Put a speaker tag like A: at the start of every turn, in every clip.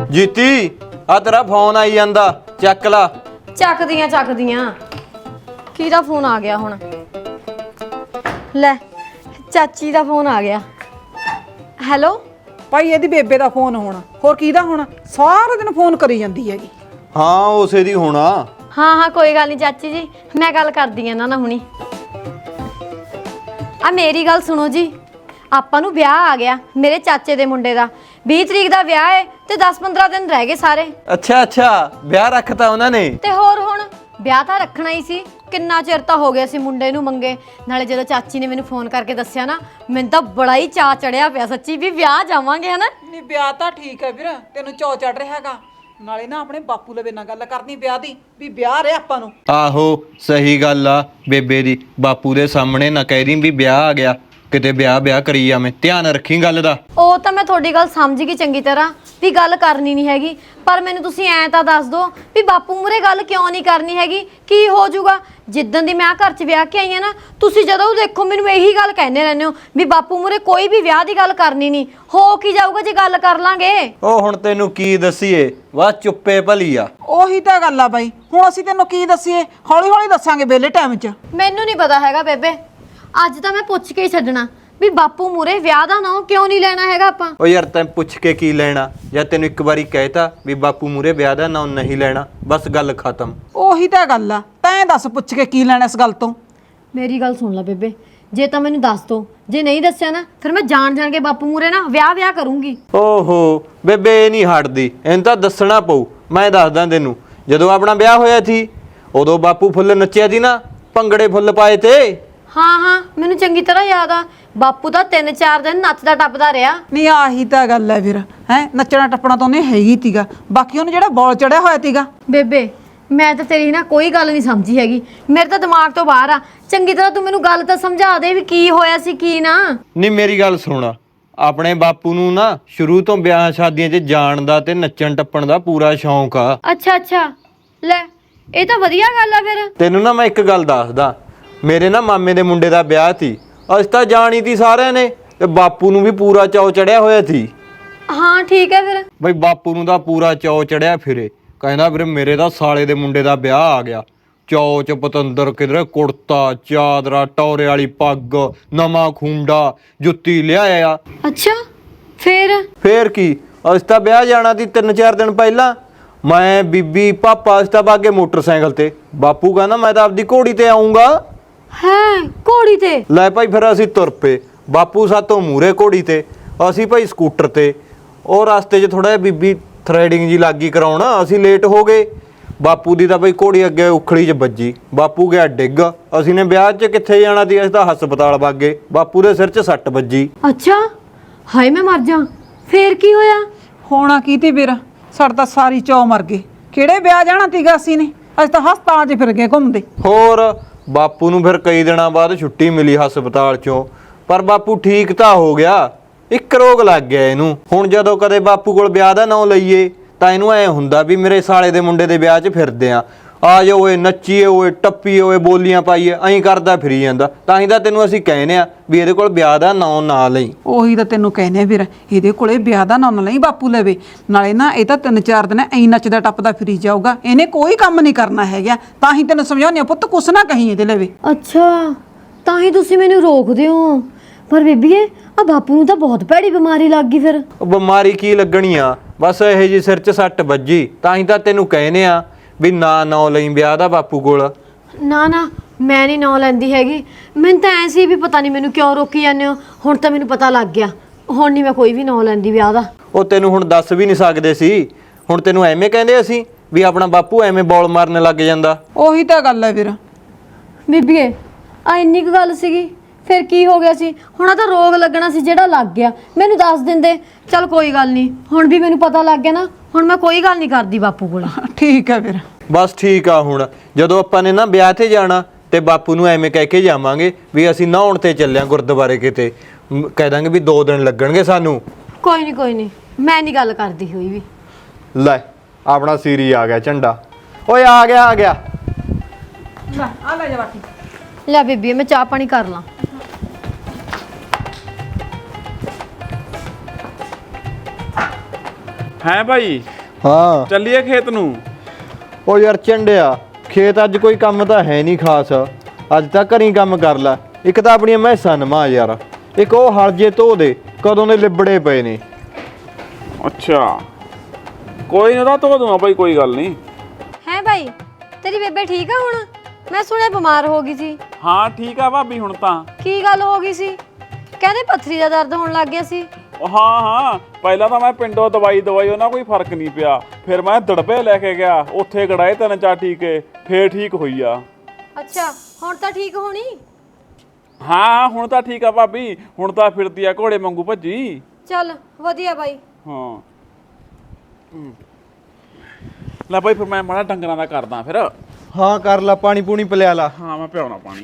A: ਜੀਤੀ ਆ ਤੇਰਾ ਫੋਨ ਆਈ ਜਾਂਦਾ, ਚੱਕ ਲਾ।
B: ਚੱਕਦੀਆਂ ਕਿਹਦਾ ਫੋਨ ਆ ਗਿਆ ਹੁਣ? ਲੈ ਚਾਚੀ ਦਾ ਫੋਨ ਆ ਗਿਆ। ਹੈਲੋ
C: ਭਾਈ ਇਹਦੀ ਬੇਬੇ ਦਾ ਫੋਨ ਹੋਣਾ, ਹੋਰ ਕਿਹਦਾ ਹੋਣਾ? ਸਾਰਾ ਦਿਨ ਫੋਨ ਕਰੀ ਜਾਂਦੀ ਹੈਗੀ।
A: ਹਾਂ ਉਸੇ ਦੀ ਹੋਣਾ।
B: ਹਾਂ ਕੋਈ ਗੱਲ ਨਹੀਂ ਚਾਚੀ ਜੀ, ਮੈਂ ਗੱਲ ਕਰਦੀ ਆ ਇਹਨਾਂ ਨਾਲ ਹੁਣੀ। ਆ ਮੇਰੀ ਗੱਲ ਸੁਣੋ ਜੀ, ਆਪਾਂ ਨੂੰ ਵਿਆਹ ਆ ਗਿਆ ਮੇਰੇ ਚਾਚੇ ਦੇ ਮੁੰਡੇ ਦਾ। 20 ਤਰੀਕ ਦਾ ਵਿਆਹ ਹੈ ਤੇ 10-15 ਦਿਨ ਰਹਿ ਗਏ ਸਾਰੇ।
A: ਅੱਛਾ ਵਿਆਹ ਰੱਖਤਾ ਉਹਨਾਂ ਨੇ?
B: ਤੇ ਹੋਰ ਹੁਣ ਵਿਆਹ ਤਾਂ ਰੱਖਣਾ ਹੀ ਸੀ, ਕਿੰਨਾ ਚਿਰ ਤਾਂ ਹੋ ਗਿਆ ਸੀ ਮੁੰਡੇ ਨੂੰ ਮੰਗੇ। ਨਾਲੇ ਜਦੋਂ ਚਾਚੀ ਨੇ ਮੈਨੂੰ ਫੋਨ ਕਰਕੇ ਦੱਸਿਆ ਨਾ, ਮੈਨੂੰ ਤਾਂ ਬੜਾ ਹੀ ਚਾਅ ਚੜਿਆ ਪਿਆ ਸੱਚੀ, ਵੀ ਵਿਆਹ ਜਾਵਾਂਗੇ ਹਨਾ।
C: ਨਹੀਂ ਵਿਆਹ ਤਾਂ ਠੀਕ ਹੈ ਵੀਰ, ਤੈਨੂੰ ਚੌ ਚੜ ਰਿਹਾ ਹੈਗਾ। ਨਾਲੇ ਨਾ ਆਪਣੇ ਬਾਪੂ ਲਵੇ ਨਾਲ ਗੱਲ ਕਰਨੀ ਵਿਆਹ ਦੀ, ਵੀ ਵਿਆਹ ਰਿਹਾ ਆਪਾਂ ਨੂੰ।
A: ਆਹੋ ਸਹੀ ਗੱਲ ਆ ਬੇਬੇ ਦੀ, ਬਾਪੂ ਦੇ ਸਾਹਮਣੇ ਨਾ ਕਹਿ ਰਹੀ ਵੀ ਵਿਆਹ ਆ ਗਿਆ, ਕਿਤੇ ਵਿਆਹ ਕਰੀ ਜਾਵੇਂ। ਧਿਆਨ ਰੱਖੀ ਗੱਲ ਦਾ। ਉਹ
B: ਤਾਂ ਮੈਂ ਤੁਹਾਡੀ ਗੱਲ ਸਮਝ ਗਈ ਚੰਗੀ ਤਰ੍ਹਾਂ ਵੀ ਗੱਲ ਕਰਨੀ ਨਹੀਂ ਹੈਗੀ, ਪਰ ਮੈਨੂੰ ਤੁਸੀਂ ਐਂ ਤਾਂ ਦੱਸ ਦਿਓ ਵੀ ਬਾਪੂ ਮੂਰੇ ਗੱਲ ਕਿਉਂ ਨਹੀਂ ਕਰਨੀ ਹੈਗੀ? ਕੀ ਹੋ ਜਾਊਗਾ? ਜਿੱਦਣ ਦੀ ਮੈਂ ਘਰ 'ਚ ਵਿਆਹ ਕੇ ਆਈ ਆ ਨਾ, ਤੁਸੀਂ ਜਦੋਂ ਦੇਖੋ ਮੈਨੂੰ ਇਹੀ ਗੱਲ ਕਹਿੰਦੇ ਰਹਿੰਦੇ ਹੋ ਵੀ ਬਾਪੂ ਮੂਰੇ ਕੋਈ ਵੀ ਵਿਆਹ ਦੀ ਗੱਲ ਕਰਨੀ ਨਹੀਂ। ਹੋ ਕੀ ਜਾਊਗਾ ਜੇ ਗੱਲ ਕਰ ਲਾਂਗੇ? ਉਹ ਹੁਣ ਤੈਨੂੰ ਕੀ ਦਸੀਏ, ਵਾ ਚੁੱਪੇ ਭਲੀ ਆ।
C: ਉਹੀ ਤਾਂ ਗੱਲ ਆ ਬਾਈ, ਹੁਣ ਅਸੀਂ ਤੈਨੂੰ ਕੀ ਦਸੀਏ? ਹੌਲੀ ਦੱਸਾਂਗੇ ਵਿਹਲੇ ਟਾਈਮ 'ਚ।
B: ਮੈਨੂੰ ਨਹੀਂ ਪਤਾ ਹੈਗਾ ਬੇਬੇ, ਅੱਜ ਤਾਂ ਮੈਂ ਪੁੱਛ ਕੇ ਹੀ ਛੱਡਣਾ ਵੀ ਬਾਪੂ ਮੂਰੇ ਵਿਆਹ ਦਾ ਨਾਂ ਕਿਉਂ ਨਹੀਂ ਲੈਣਾ ਹੈਗਾ ਆਪਾਂ।
A: ਓ ਯਾਰ ਤੈਂ ਪੁੱਛ ਕੇ ਕੀ ਲੈਣਾ? ਜਾਂ ਤੈਨੂੰ ਇੱਕ ਵਾਰੀ ਕਹਿਤਾ ਵੀ ਬਾਪੂ ਮੂਰੇ ਵਿਆਹ ਦਾ ਨਾਂ ਨਹੀਂ ਲੈਣਾ, ਬਸ ਗੱਲ ਖਤਮ।
C: ਉਹੀ ਤਾਂ ਗੱਲ ਆ, ਤੈਂ ਦੱਸ ਪੁੱਛ ਕੇ ਕੀ ਲੈਣਾ ਇਸ ਗੱਲ ਤੋਂ?
B: ਮੇਰੀ ਗੱਲ ਸੁਣ ਲੈ ਬੇਬੇ, ਜੇ ਤਾਂ ਮੈਨੂੰ ਦੱਸ ਦੋ, ਜੇ ਨਹੀਂ ਦੱਸਿਆ ਨਾ ਫਿਰ ਮੈਂ ਜਾਣ ਕੇ ਬਾਪੂ ਮੂਰੇ ਨਾ ਵਿਆਹ ਕਰੂੰਗੀ।
A: ਓਹੋ ਬੇਬੇ ਇਹ ਨਹੀਂ ਹਟਦੀ, ਇਹਨੂੰ ਤਾਂ ਦੱਸਣਾ ਪਊ। ਮੈਂ ਦੱਸਦਾ ਤੈਨੂੰ, ਜਦੋਂ ਆਪਣਾ ਵਿਆਹ ਹੋਇਆ ਸੀ ਉਦੋਂ ਬਾਪੂ ਫੁੱਲ ਨੱਚਿਆ ਸੀ ਨਾ, ਭੰਗੜੇ ਫੁੱਲ ਪਾਏ ਤੇ।
B: ਹਾਂ ਮੈਨੂੰ ਚੰਗੀ ਤਰ੍ਹਾਂ ਯਾਦ ਆ, ਬਾਪੂ ਤਾਂ 3-4 ਦਿਨ ਨੱਚਦਾ ਟੱਪਦਾ ਰਿਹਾ।
C: ਨਹੀਂ ਆਹੀ ਤਾਂ ਗੱਲ ਹੈ ਵੀਰ, ਹੈ ਨੱਚਣਾ ਟੱਪਣਾ ਤਾਂ ਉਹਨੇ ਹੈਗੀ ਤੀਗਾ, ਬਾਕੀ ਉਹਨੂੰ ਜਿਹੜਾ ਬੋਲ ਚੜਿਆ ਹੋਇਆ ਤੀਗਾ।
B: ਬੇਬੇ ਮੈਂ ਤਾਂ ਤੇਰੀ ਨਾ ਕੋਈ ਗੱਲ ਨਹੀਂ ਸਮਝੀ ਹੈਗੀ, ਮੇਰੇ ਤਾਂ ਦਿਮਾਗ ਤੋਂ ਬਾਹਰ ਆ। ਚੰਗੀ ਤਰ੍ਹਾਂ ਤੂੰ ਮੈਨੂੰ ਗੱਲ ਤਾਂ ਸਮਝਾ ਦੇ ਵੀ ਕੀ ਹੋਇਆ ਸੀ ਕੀ ਨਾ।
A: ਨਹੀਂ ਮੇਰੀ ਗੱਲ ਸੁਣ, ਆਪਣੇ ਬਾਪੂ ਨੂੰ ਨਾ ਸ਼ੁਰੂ ਤੋਂ ਵਿਆਹ ਸ਼ਾਦੀਆਂ 'ਚ ਜਾਣ ਦਾ ਤੇ ਨੱਚਣ ਟੱਪਣ ਦਾ ਪੂਰਾ ਸ਼ੌਂਕ ਆ।
B: ਅੱਛਾ ਲੈ ਇਹ ਤਾਂ ਵਧੀਆ ਗੱਲ ਆ ਫਿਰ।
A: ਤੈਨੂੰ ਨਾ ਮੈਂ ਇੱਕ ਗੱਲ ਦੱਸਦਾ, ਮੇਰੇ ਨਾ ਮਾਮੇ ਦੇ ਮੁੰਡੇ ਦਾ ਵਿਆਹ ਸੀ, ਅਸੀਂ ਤਾਂ ਜਾਣੀ ਤੀ ਸਾਰਿਆਂ ਨੇ, ਤੇ ਬਾਪੂ ਨੂੰ ਵੀ ਪੂਰਾ ਚਾਅ ਚੜਿਆ ਹੋਇਆ ਸੀ।
B: ਹਾਂ ਠੀਕ ਹੈ ਫਿਰ।
A: ਬਈ ਬਾਪੂ ਨੂੰ ਤਾਂ ਪੂਰਾ ਚਾਅ ਚੜਿਆ ਫਿਰੇ, ਕਹਿੰਦਾ ਵੀਰੇ ਮੇਰੇ ਤਾਂ ਸਾਲੇ ਦੇ ਮੁੰਡੇ ਦਾ ਵਿਆਹ ਆ ਗਿਆ। ਚਾਅ ਚ ਪਤੰਦਰ ਕਿਧਰੇ ਕੁੜਤਾ ਚਾਦਰਾ, ਟੌਰੇ ਵਾਲੀ ਪੱਗ, ਨਵਾਂ ਖੁੰਡਾ, ਜੁੱਤੀ ਲਿਆਇਆ।
B: ਅੱਛਾ ਫੇਰ
A: ਕੀ, ਅਸੀਂ ਤਾਂ ਵਿਆਹ ਜਾਣਾ ਸੀ 3-4 ਦਿਨ ਪਹਿਲਾਂ। ਮੈਂ ਬੀਬੀ ਪਾਪਾ ਅਸੀਂ ਤਾਂ ਬਾਗੇ ਮੋਟਰਸਾਈਕਲ ਤੇ, ਬਾਪੂ ਕਹਿੰਦਾ ਮੈਂ ਤਾਂ ਆਪਦੀ ਘੋੜੀ ਤੇ ਆਉਂਗਾ।
B: ਹੈ ਘੋੜੀ ਤੇ?
A: ਲੈ ਭਾਈ ਫਿਰ ਅਸੀਂ ਤੁਰ ਪਏ, ਬਾਪੂ ਸਾਤੋਂ ਮੂਰੇ ਘੋੜੀ ਤੇ, ਅਸੀਂ ਭਾਈ ਸਕੂਟਰ ਤੇ। ਉਹ ਰਸਤੇ 'ਚ ਥੋੜਾ ਜਿਹਾ ਬੀਬੀ ਥਰੈਡਿੰਗ ਜੀ ਲੱਗੀ ਕਰਾਉਣ, ਅਸੀਂ ਲੇਟ ਹੋ ਗਏ। ਬਾਪੂ ਦੀ ਤਾਂ ਭਾਈ ਘੋੜੀ ਅੱਗੇ ਉਖਲੀ 'ਚ ਵੱਜੀ, ਬਾਪੂ ਗਿਆ ਡਿੱਗ। ਅਸੀਂ ਨੇ ਵਿਆਹ 'ਚ ਕਿੱਥੇ ਜਾਣਾ ਸੀ, ਅਸੀਂ ਤਾਂ ਹਸਪਤਾਲ ਵਗ ਗਏ, ਬਾਪੂ ਦੇ ਸਿਰ 'ਚ ਸੱਟ ਵੱਜੀ।
B: ਅੱਛਾ ਹਾਏ ਮੈਂ ਮਰ ਜਾ। ਫੇਰ ਕੀ ਹੋਇਆ?
C: ਹੋਣਾ ਕੀ ਤੇ ਵੀਰ, ਸਾਡਾ ਤਾਂ ਸਾਰੀ ਚੌ ਮਰ ਗਏ। ਕਿਹੜੇ ਵਿਆਹ ਜਾਣਾ ਤੀਗਾ ਅਸੀਂ ਨੇ, ਅਸੀਂ ਤਾਂ ਹਸਪਤਾਲਾਂ 'ਚ ਫਿਰ ਗਏ ਘੁੰਮਦੇ।
A: ਹੋਰ ਬਾਪੂ ਨੂੰ ਫਿਰ ਕਈ ਦਿਨਾਂ ਬਾਅਦ ਛੁੱਟੀ ਮਿਲੀ ਹਸਪਤਾਲ 'ਚੋਂ, ਪਰ ਬਾਪੂ ਠੀਕ ਤਾਂ ਹੋ ਗਿਆ। ਇੱਕ ਰੋਗ ਲੱਗ ਗਿਆ ਇਹਨੂੰ। ਹੁਣ ਜਦੋਂ ਕਦੇ ਬਾਪੂ ਕੋਲ ਵਿਆਹ ਦਾ ਨਾਂ ਲਈਏ ਤਾਂ ਇਹਨੂੰ ਐ ਹੁੰਦਾ ਵੀ ਮੇਰੇ ਸਾਲੇ ਦੇ ਮੁੰਡੇ ਦੇ ਵਿਆਹ 'ਚ ਫਿਰਦੇ ਆ ਜਾਓ ਓਏ, ਨੱਚੀਏ ਓਏ, ਟੱਪੀਏ ਓਏ, ਬੋਲੀਆਂ ਪਾਈਏ, ਐਂ ਕਰਦਾ ਫਿਰੀ ਜਾਂਦਾ। ਤਾਂ ਹੀ ਤਾਂ ਤੈਨੂੰ ਅਸੀਂ ਕਹਿੰਦੇ ਆ ਵੀ ਇਹਦੇ ਕੋਲ ਵਿਆਹ ਦਾ ਨਾਂ ਨਾ ਲਈ।
C: ਉਹੀ ਤਾਂ ਤੈਨੂੰ ਕਹਿੰਦੇ ਵੀਰ, ਇਹਦੇ ਕੋਲੇ ਵਿਆਹ ਦਾ ਨਾਂ ਨਾ ਲਈ ਬਾਪੂ ਲਵੇ। ਨਾਲੇ ਨਾ ਇਹ ਤਾਂ 3-4 ਦਿਨ ਐਂ ਨੱਚਦਾ ਟੱਪਦਾ ਫਿਰੀ ਜਾਊਗਾ, ਇਹਨੇ ਕੋਈ ਕੰਮ ਨਹੀਂ ਕਰਨਾ ਹੈਗਾ। ਤਾਂ ਹੀ ਤੈਨੂੰ ਸਮਝਾਉਂਦੇ ਆ ਪੁੱਤ, ਕੁਛ ਨਾ ਕਹੀਂ ਇਹਦੇ ਲਵੇ।
B: ਅੱਛਾ ਤਾਂ ਹੀ ਤੁਸੀਂ ਮੈਨੂੰ ਰੋਕਦੇ ਹੋ। ਪਰ ਬੀਬੀਏ ਆ ਬਾਪੂ ਨੂੰ ਤਾਂ ਬਹੁਤ ਭੈੜੀ ਬਿਮਾਰੀ ਲੱਗ ਗਈ ਫਿਰ।
A: ਉਹ ਬਿਮਾਰੀ ਕੀ ਲੱਗਣੀ ਆ, ਬਸ ਇਹੋ ਜਿਹੀ ਸਿਰ 'ਚ ਸੱਟ ਵੱਜੀ। ਤਾਂ ਹੀ ਤਾਂ ਤੈਨੂੰ ਕਹਿੰਦੇ ਆ ਵੀ ਨਾ ਲਈ ਵਿਆਹ ਦਾ ਬਾਪੂ ਕੋਲ।
B: ਨਾ ਮੈਂ ਨਹੀਂ ਨਾਂ ਲੈਂਦੀ ਹੈਗੀ। ਮੈਨੂੰ ਤਾਂ ਐ ਸੀ ਵੀ ਪਤਾ ਨਹੀਂ ਮੈਨੂੰ ਕਿਉਂ ਰੋਕੀ ਜਾਂਦੇ ਹੋ। ਹੁਣ ਤਾਂ ਮੈਨੂੰ ਪਤਾ ਲੱਗ ਗਿਆ, ਹੁਣ ਨਹੀਂ ਮੈਂ ਕੋਈ ਵੀ ਨਾਂ ਲੈਂਦੀ ਵਿਆਹ ਦਾ।
A: ਉਹ ਤੈਨੂੰ ਹੁਣ ਦੱਸ ਵੀ ਨਹੀਂ ਸਕਦੇ ਸੀ, ਹੁਣ ਤੈਨੂੰ ਐਵੇਂ ਕਹਿੰਦੇ ਅਸੀਂ ਵੀ ਆਪਣਾ ਬਾਪੂ ਐਵੇਂ ਬੋਲ ਮਾਰਨ ਲੱਗ ਜਾਂਦਾ।
C: ਉਹੀ ਤਾਂ ਗੱਲ ਹੈ ਵੀਰ।
B: ਬੀਬੀਏ ਆ ਇੰਨੀ ਕੁ ਗੱਲ ਸੀਗੀ, ਫਿਰ ਕੀ ਹੋ ਗਿਆ ਸੀ? ਹੁਣ ਤਾਂ ਰੋਗ ਲੱਗਣਾ ਸੀ ਜਿਹੜਾ ਲੱਗ ਗਿਆ, ਮੈਨੂੰ ਦੱਸ ਦਿੰਦੇ। ਚੱਲ ਕੋਈ ਗੱਲ ਨਹੀਂ, ਹੁਣ ਵੀ ਮੈਨੂੰ ਪਤਾ ਲੱਗ ਗਿਆ ਨਾ, ਹੁਣ ਮੈਂ ਕੋਈ ਗੱਲ ਨਹੀਂ ਕਰਦੀ ਬਾਪੂ ਕੋਲ।
C: ਠੀਕ ਹੈ ਵੀਰ।
A: ਬਸ ਠੀਕ ਆ। ਹੁਣ ਜਦੋਂ ਆਪਾਂ ਨੇ ਨਾ ਵਿਆਹ ਤੇ ਜਾਣਾ ਤੇ ਬਾਪੂ ਨੂੰ ਐਵੇਂ ਕਹਿ ਕੇ ਜਾਵਾਂਗੇ ਵੀ ਅਸੀਂ ਨਹਾਉਣ ਤੇ ਚੱਲਿਆ ਗੁਰਦੁਆਰੇ ਕਿਤੇ, ਕਹਿ ਦਾਂਗੇ ਵੀ 2 ਦਿਨ ਲੱਗਣਗੇ ਸਾਨੂੰ।
B: ਕੋਈ ਨਹੀਂ ਮੈਂ ਨਹੀਂ ਗੱਲ ਕਰਦੀ ਹੋਈ ਵੀ।
A: ਲੈ ਆਪਣਾ ਸੀਰੀ ਆ ਗਿਆ ਝੰਡਾ। ਓਏ ਆ ਗਿਆ
C: ਲੈ ਆ ਲੈ ਜਾ ਬਾਕੀ।
B: ਲੈ ਬੀਬੀ ਮੈਂ ਚਾਹ ਪਾਣੀ ਕਰ ਲਾਂ।
D: ਹੈ ਭਾਈ
A: ਹਾਂ
D: ਚੱਲੀਏ ਖੇਤ ਨੂੰ।
A: ਉਹ ਯਾਰ ਝੰਡਿਆ, ਖੇਤ ਅੱਜ ਕੋਈ ਕੰਮ ਤਾਂ ਹੈ ਨਹੀਂ ਖਾਸ। ਅੱਜ ਤਾਂ ਘਰੀ ਕੰਮ ਕਰ ਲੈ। ਇੱਕ ਤਾਂ ਆਪਣੀਆਂ ਮੈਸਾਂ ਨਮਾ ਯਾਰ, ਇੱਕ ਉਹ ਹਲ ਜੇ ਧੋ ਦੇ, ਕਦੋਂ ਦੇ ਲਿਬੜੇ ਪਏ ਨੇ।
D: ਅੱਛਾ ਕੋਈ ਨਾ, ਧੋ ਦੂੰਗਾ ਭਾਈ, ਕੋਈ ਗੱਲ ਨਹੀਂ।
B: ਹੈ ਭਾਈ, ਤੇਰੀ ਬੇਬੇ ਠੀਕ ਆ ਹੁਣ? ਮੈਂ ਸੁਣਿਆ ਬਿਮਾਰ ਹੋ ਗਈ ਸੀ।
D: ਹਾਂ ਠੀਕ ਆ ਭਾਬੀ ਹੁਣ ਤਾਂ।
B: ਕੀ ਗੱਲ ਹੋ ਗਈ ਸੀ? ਕਹਿੰਦੇ ਪੱਥਰੀ ਦਾ ਦਰਦ ਹੋਣ ਲੱਗ ਗਿਆ ਸੀ।
D: ਹਾਂ ਪਹਿਲਾਂ ਤਾਂ ਮੈਂ ਪਿੰਡੋਂ ਦਵਾਈ ਉਹਨਾਂ ਕੋਈ ਫਰਕ ਨਹੀਂ ਪਿਆ। ਫਿਰ ਮੈਂ ਦੜਬੇ ਲੈ ਕੇ ਗਿਆ, ਉੱਥੇ ਗੜਾਏ 3-4 ਟੀਕੇ, ਫੇਰ ਠੀਕ ਹੋਈ ਆ।
B: ਅੱਛਾ ਹੁਣ ਤਾਂ ਠੀਕ ਹੋਣੀ?
D: ਹਾਂ ਹੁਣ ਤਾਂ ਠੀਕ ਆ ਭਾਬੀ, ਹੁਣ ਤਾਂ ਫਿਰਦੀ ਆ ਘੋੜੇ ਵਾਂਗੂ ਭੱਜੀ।
B: ਚੱਲ ਵਧੀਆ ਬਾਈ।
D: ਹਾਂ ਲੈ ਭਾਈ, ਫਿਰ ਮੈਂ ਮਾੜਾ ਡੰਗਰਾਂ ਦਾ ਕਰਦਾ ਫਿਰ।
A: ਹਾਂ ਕਰ ਲੈ, ਪਾਣੀ ਪੂਣੀ ਪਿਲਾ ਲਾ।
D: ਹਾਂ ਮੈਂ ਪਿਆਉਣਾ ਪਾਣੀ।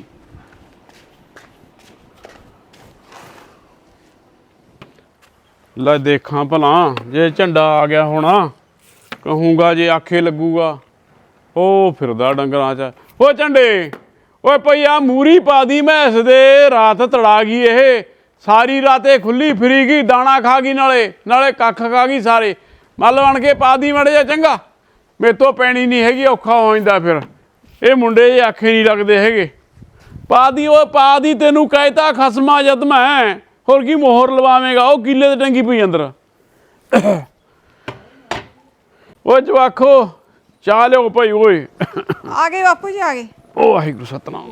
D: ਲੈ ਦੇਖਾਂ ਭਲਾ, ਜੇ ਝੰਡਾ ਆ ਗਿਆ ਹੋਣਾ ਕਹੂੰਗਾ, ਜੇ ਆਖੇ ਲੱਗੂਗਾ। ਉਹ ਫਿਰਦਾ ਡੰਗਰਾਂ 'ਚ। ਓ ਝੰਡੇ, ਓਏ ਭਈਆ ਮੂਰੀ ਪਾ ਦੀ ਮੈਸ ਦੇ, ਰਾਤ ਤੜਾ ਗਈ ਇਹ। ਸਾਰੀ ਰਾਤੇ ਖੁੱਲੀ ਫਿਰੀ ਗਈ, ਦਾਣਾ ਖਾ ਗਈ, ਨਾਲੇ ਕੱਖ ਖਾ ਗਈ ਸਾਰੇ। ਮੱਲ ਬਣ ਕੇ ਪਾ ਦੀ ਮੜੇ ਜਾ, ਚੰਗਾ? ਮੇਰੇ ਤੋਂ ਪੈਣੀ ਨਹੀਂ ਹੈਗੀ, ਔਖਾ ਹੋ ਜਾਂਦਾ ਫਿਰ। ਇਹ ਮੁੰਡੇ ਜੇ ਆਖੇ ਨਹੀਂ ਲੱਗਦੇ ਹੈਗੇ। ਪਾ ਦੀ ਓਏ ਪਾ ਦੀ, ਤੈਨੂੰ ਕਹਿਤਾ ਖਸਮਾ ਜਦ ਮੈਂ। ਹੋਰ ਕੀ ਮੋਹਰ ਲਵਾਵੇਂਗਾ? ਉਹ ਕੀਲੇ ਤੇ ਟੰਗੀ ਪਈ ਅੰਦਰ। ਓਏ ਜਵਾਖੋ ਚਾਹ ਲਿਓ ਭਾਈ। ਓਏ
C: ਆ ਗਏ ਬਾਪੂ ਜੀ, ਆ ਗਏ।
D: ਓ ਵਾਹਿਗੁਰੂ ਸਤਨਾਮ।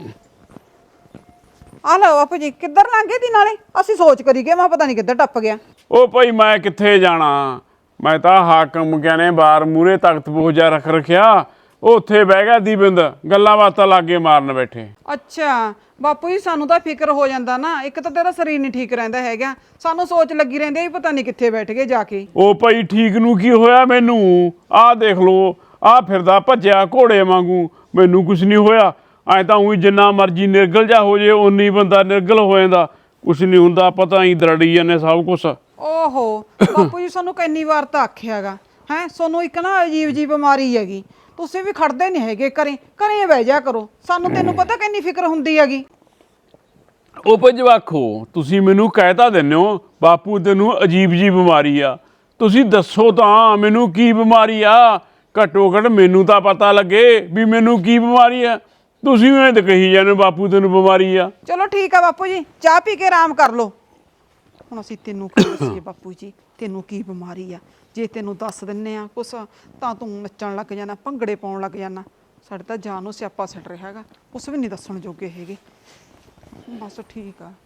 C: ਆ ਲਓ ਬਾਪੂ ਜੀ, ਕਿੱਧਰ ਲੰਘੇ ਦੀ? ਨਾਲੇ ਅਸੀਂ ਸੋਚ ਕਰੀ ਗਏ, ਮੈਂ ਪਤਾ ਨਹੀਂ ਕਿੱਧਰ ਟੱਪ ਗਿਆ।
D: ਓ ਭਾਈ ਮੈਂ ਕਿੱਥੇ ਜਾਣਾ, ਮੈਂ ਤਾਂ ਹਾਕਮ ਕਹਿੰਨੇ ਬਾਰ ਮੂਰੇ ਤਖਤ ਪੂਜਾ ਰੱਖ ਰੱਖਿਆ। ਉਹ ਉੱਥੇ ਬਹਿ ਗਿਆ ਦੀਬਿੰਦ, ਗੱਲਾਂ ਬਾਤਾਂ ਲਾਗੇ ਮਾਰਨ ਬੈਠੇ।
C: ਅੱਛਾ ਬਾਪੂ ਜੀ, ਸਾਨੂੰ ਤਾਂ ਫਿਕਰ ਹੋ ਜਾਂਦਾ ਨਾ। ਇੱਕ ਤਾਂ ਤੇਰਾ ਸਰੀਰ ਨਹੀਂ ਠੀਕ ਰਹਿੰਦਾ ਹੈਗਾ, ਸਾਨੂੰ ਸੋਚ ਲੱਗੀ ਰਹਿੰਦੀ ਹੈ ਵੀ ਪਤਾ ਨਹੀਂ ਕਿੱਥੇ ਬੈਠ ਗਏ ਜਾ ਕੇ।
D: ਉਹ ਭਾਈ ਠੀਕ ਨੂੰ ਕੀ ਹੋਇਆ ਮੈਨੂੰ? ਆਹ ਦੇਖ ਲੋ, ਆਹ ਫਿਰਦਾ ਭੱਜਿਆ ਘੋੜੇ ਵਾਂਗੂ, ਮੈਨੂੰ ਕੁਛ ਨਹੀਂ ਹੋਇਆ। ਐ ਤਾਂ ਉਹੀ ਜਿੰਨਾ ਮਰਜੀ ਨਿਰਗਲ ਜਾ ਹੋ ਜੇ, ਓਨੀ ਬੰਦਾ ਨਿਰਗਲ ਹੋ ਜਾਂਦਾ। ਕੁਛ ਨਹੀਂ ਹੁੰਦਾ, ਪਤਾ ਹੀ ਦਰੜੀ ਜਾਂਦੇ ਸਭ ਕੁਛ।
C: ਓਹੋ ਬਾਪੂ ਜੀ, ਸਾਨੂੰ ਕਿੰਨੀ ਵਾਰ ਤਾਂ ਆਖਿਆਗਾ ਹੈ, ਸਾਨੂੰ ਇੱਕ ਨਾ ਅਜੀਬ ਜੀ ਬਿਮਾਰੀ ਹੈਗੀ। ਤੁਸੀਂ ਵੀ ਖੜਦੇ ਨਹੀਂ ਹੈਗੇ, ਘਰੇ ਬਹਿ ਜਾ ਕਰੋ। ਸਾਨੂੰ ਤੈਨੂੰ ਪਤਾ ਕਿੰਨੀ ਫਿਕਰ ਹੁੰਦੀ ਹੈਗੀ।
D: ਉਹ ਭਾਈ ਜਵਾਖੋ, ਤੁਸੀਂ ਮੈਨੂੰ ਕਹਿ ਤਾਂ ਦਿੰਦੇ ਹੋ ਬਾਪੂ ਤੈਨੂੰ ਅਜੀਬ ਜੀ ਬਿਮਾਰੀ ਆ। ਤੁਸੀਂ ਦੱਸੋ ਤਾਂ ਮੈਨੂੰ ਕੀ ਬਿਮਾਰੀ ਆ? ਘੱਟੋ ਘੱਟ ਮੈਨੂੰ ਤਾਂ ਪਤਾ ਲੱਗੇ ਵੀ ਮੈਨੂੰ ਕੀ ਬਿਮਾਰੀ ਆ। ਤੁਸੀਂ ਐਂ ਤਾਂ ਕਹੀ ਜਾਂਦੇ ਬਾਪੂ ਤੈਨੂੰ ਬਿਮਾਰੀ ਆ।
C: ਚਲੋ ਠੀਕ ਆ ਬਾਪੂ ਜੀ, ਚਾਹ ਪੀ ਕੇ ਆਰਾਮ ਕਰ ਲਓ। ਹੁਣ ਅਸੀਂ ਤੈਨੂੰ ਕੀ ਦੱਸੀਏ ਬਾਪੂ ਜੀ, ਤੈਨੂੰ ਕੀ ਬਿਮਾਰੀ ਆ? ਜੇ ਤੈਨੂੰ ਦੱਸ ਦਿੰਨੇ ਆ ਕੁਛ ਤਾਂ ਤੂੰ ਨੱਚਣ ਲੱਗ ਜਾਣਾ, ਭੰਗੜੇ ਪਾਉਣ ਲੱਗ ਜਾਣਾ। ਸਾਡੇ ਤਾਂ ਜਾਨ ਨੂੰ ਸਿਆਪਾ ਛੱਡ ਰਿਹਾ ਹੈਗਾ, ਕੁਛ ਵੀ ਨਹੀਂ ਦੱਸਣ ਜੋਗੇ ਹੈਗੇ। ਬਸ ਠੀਕ ਆ।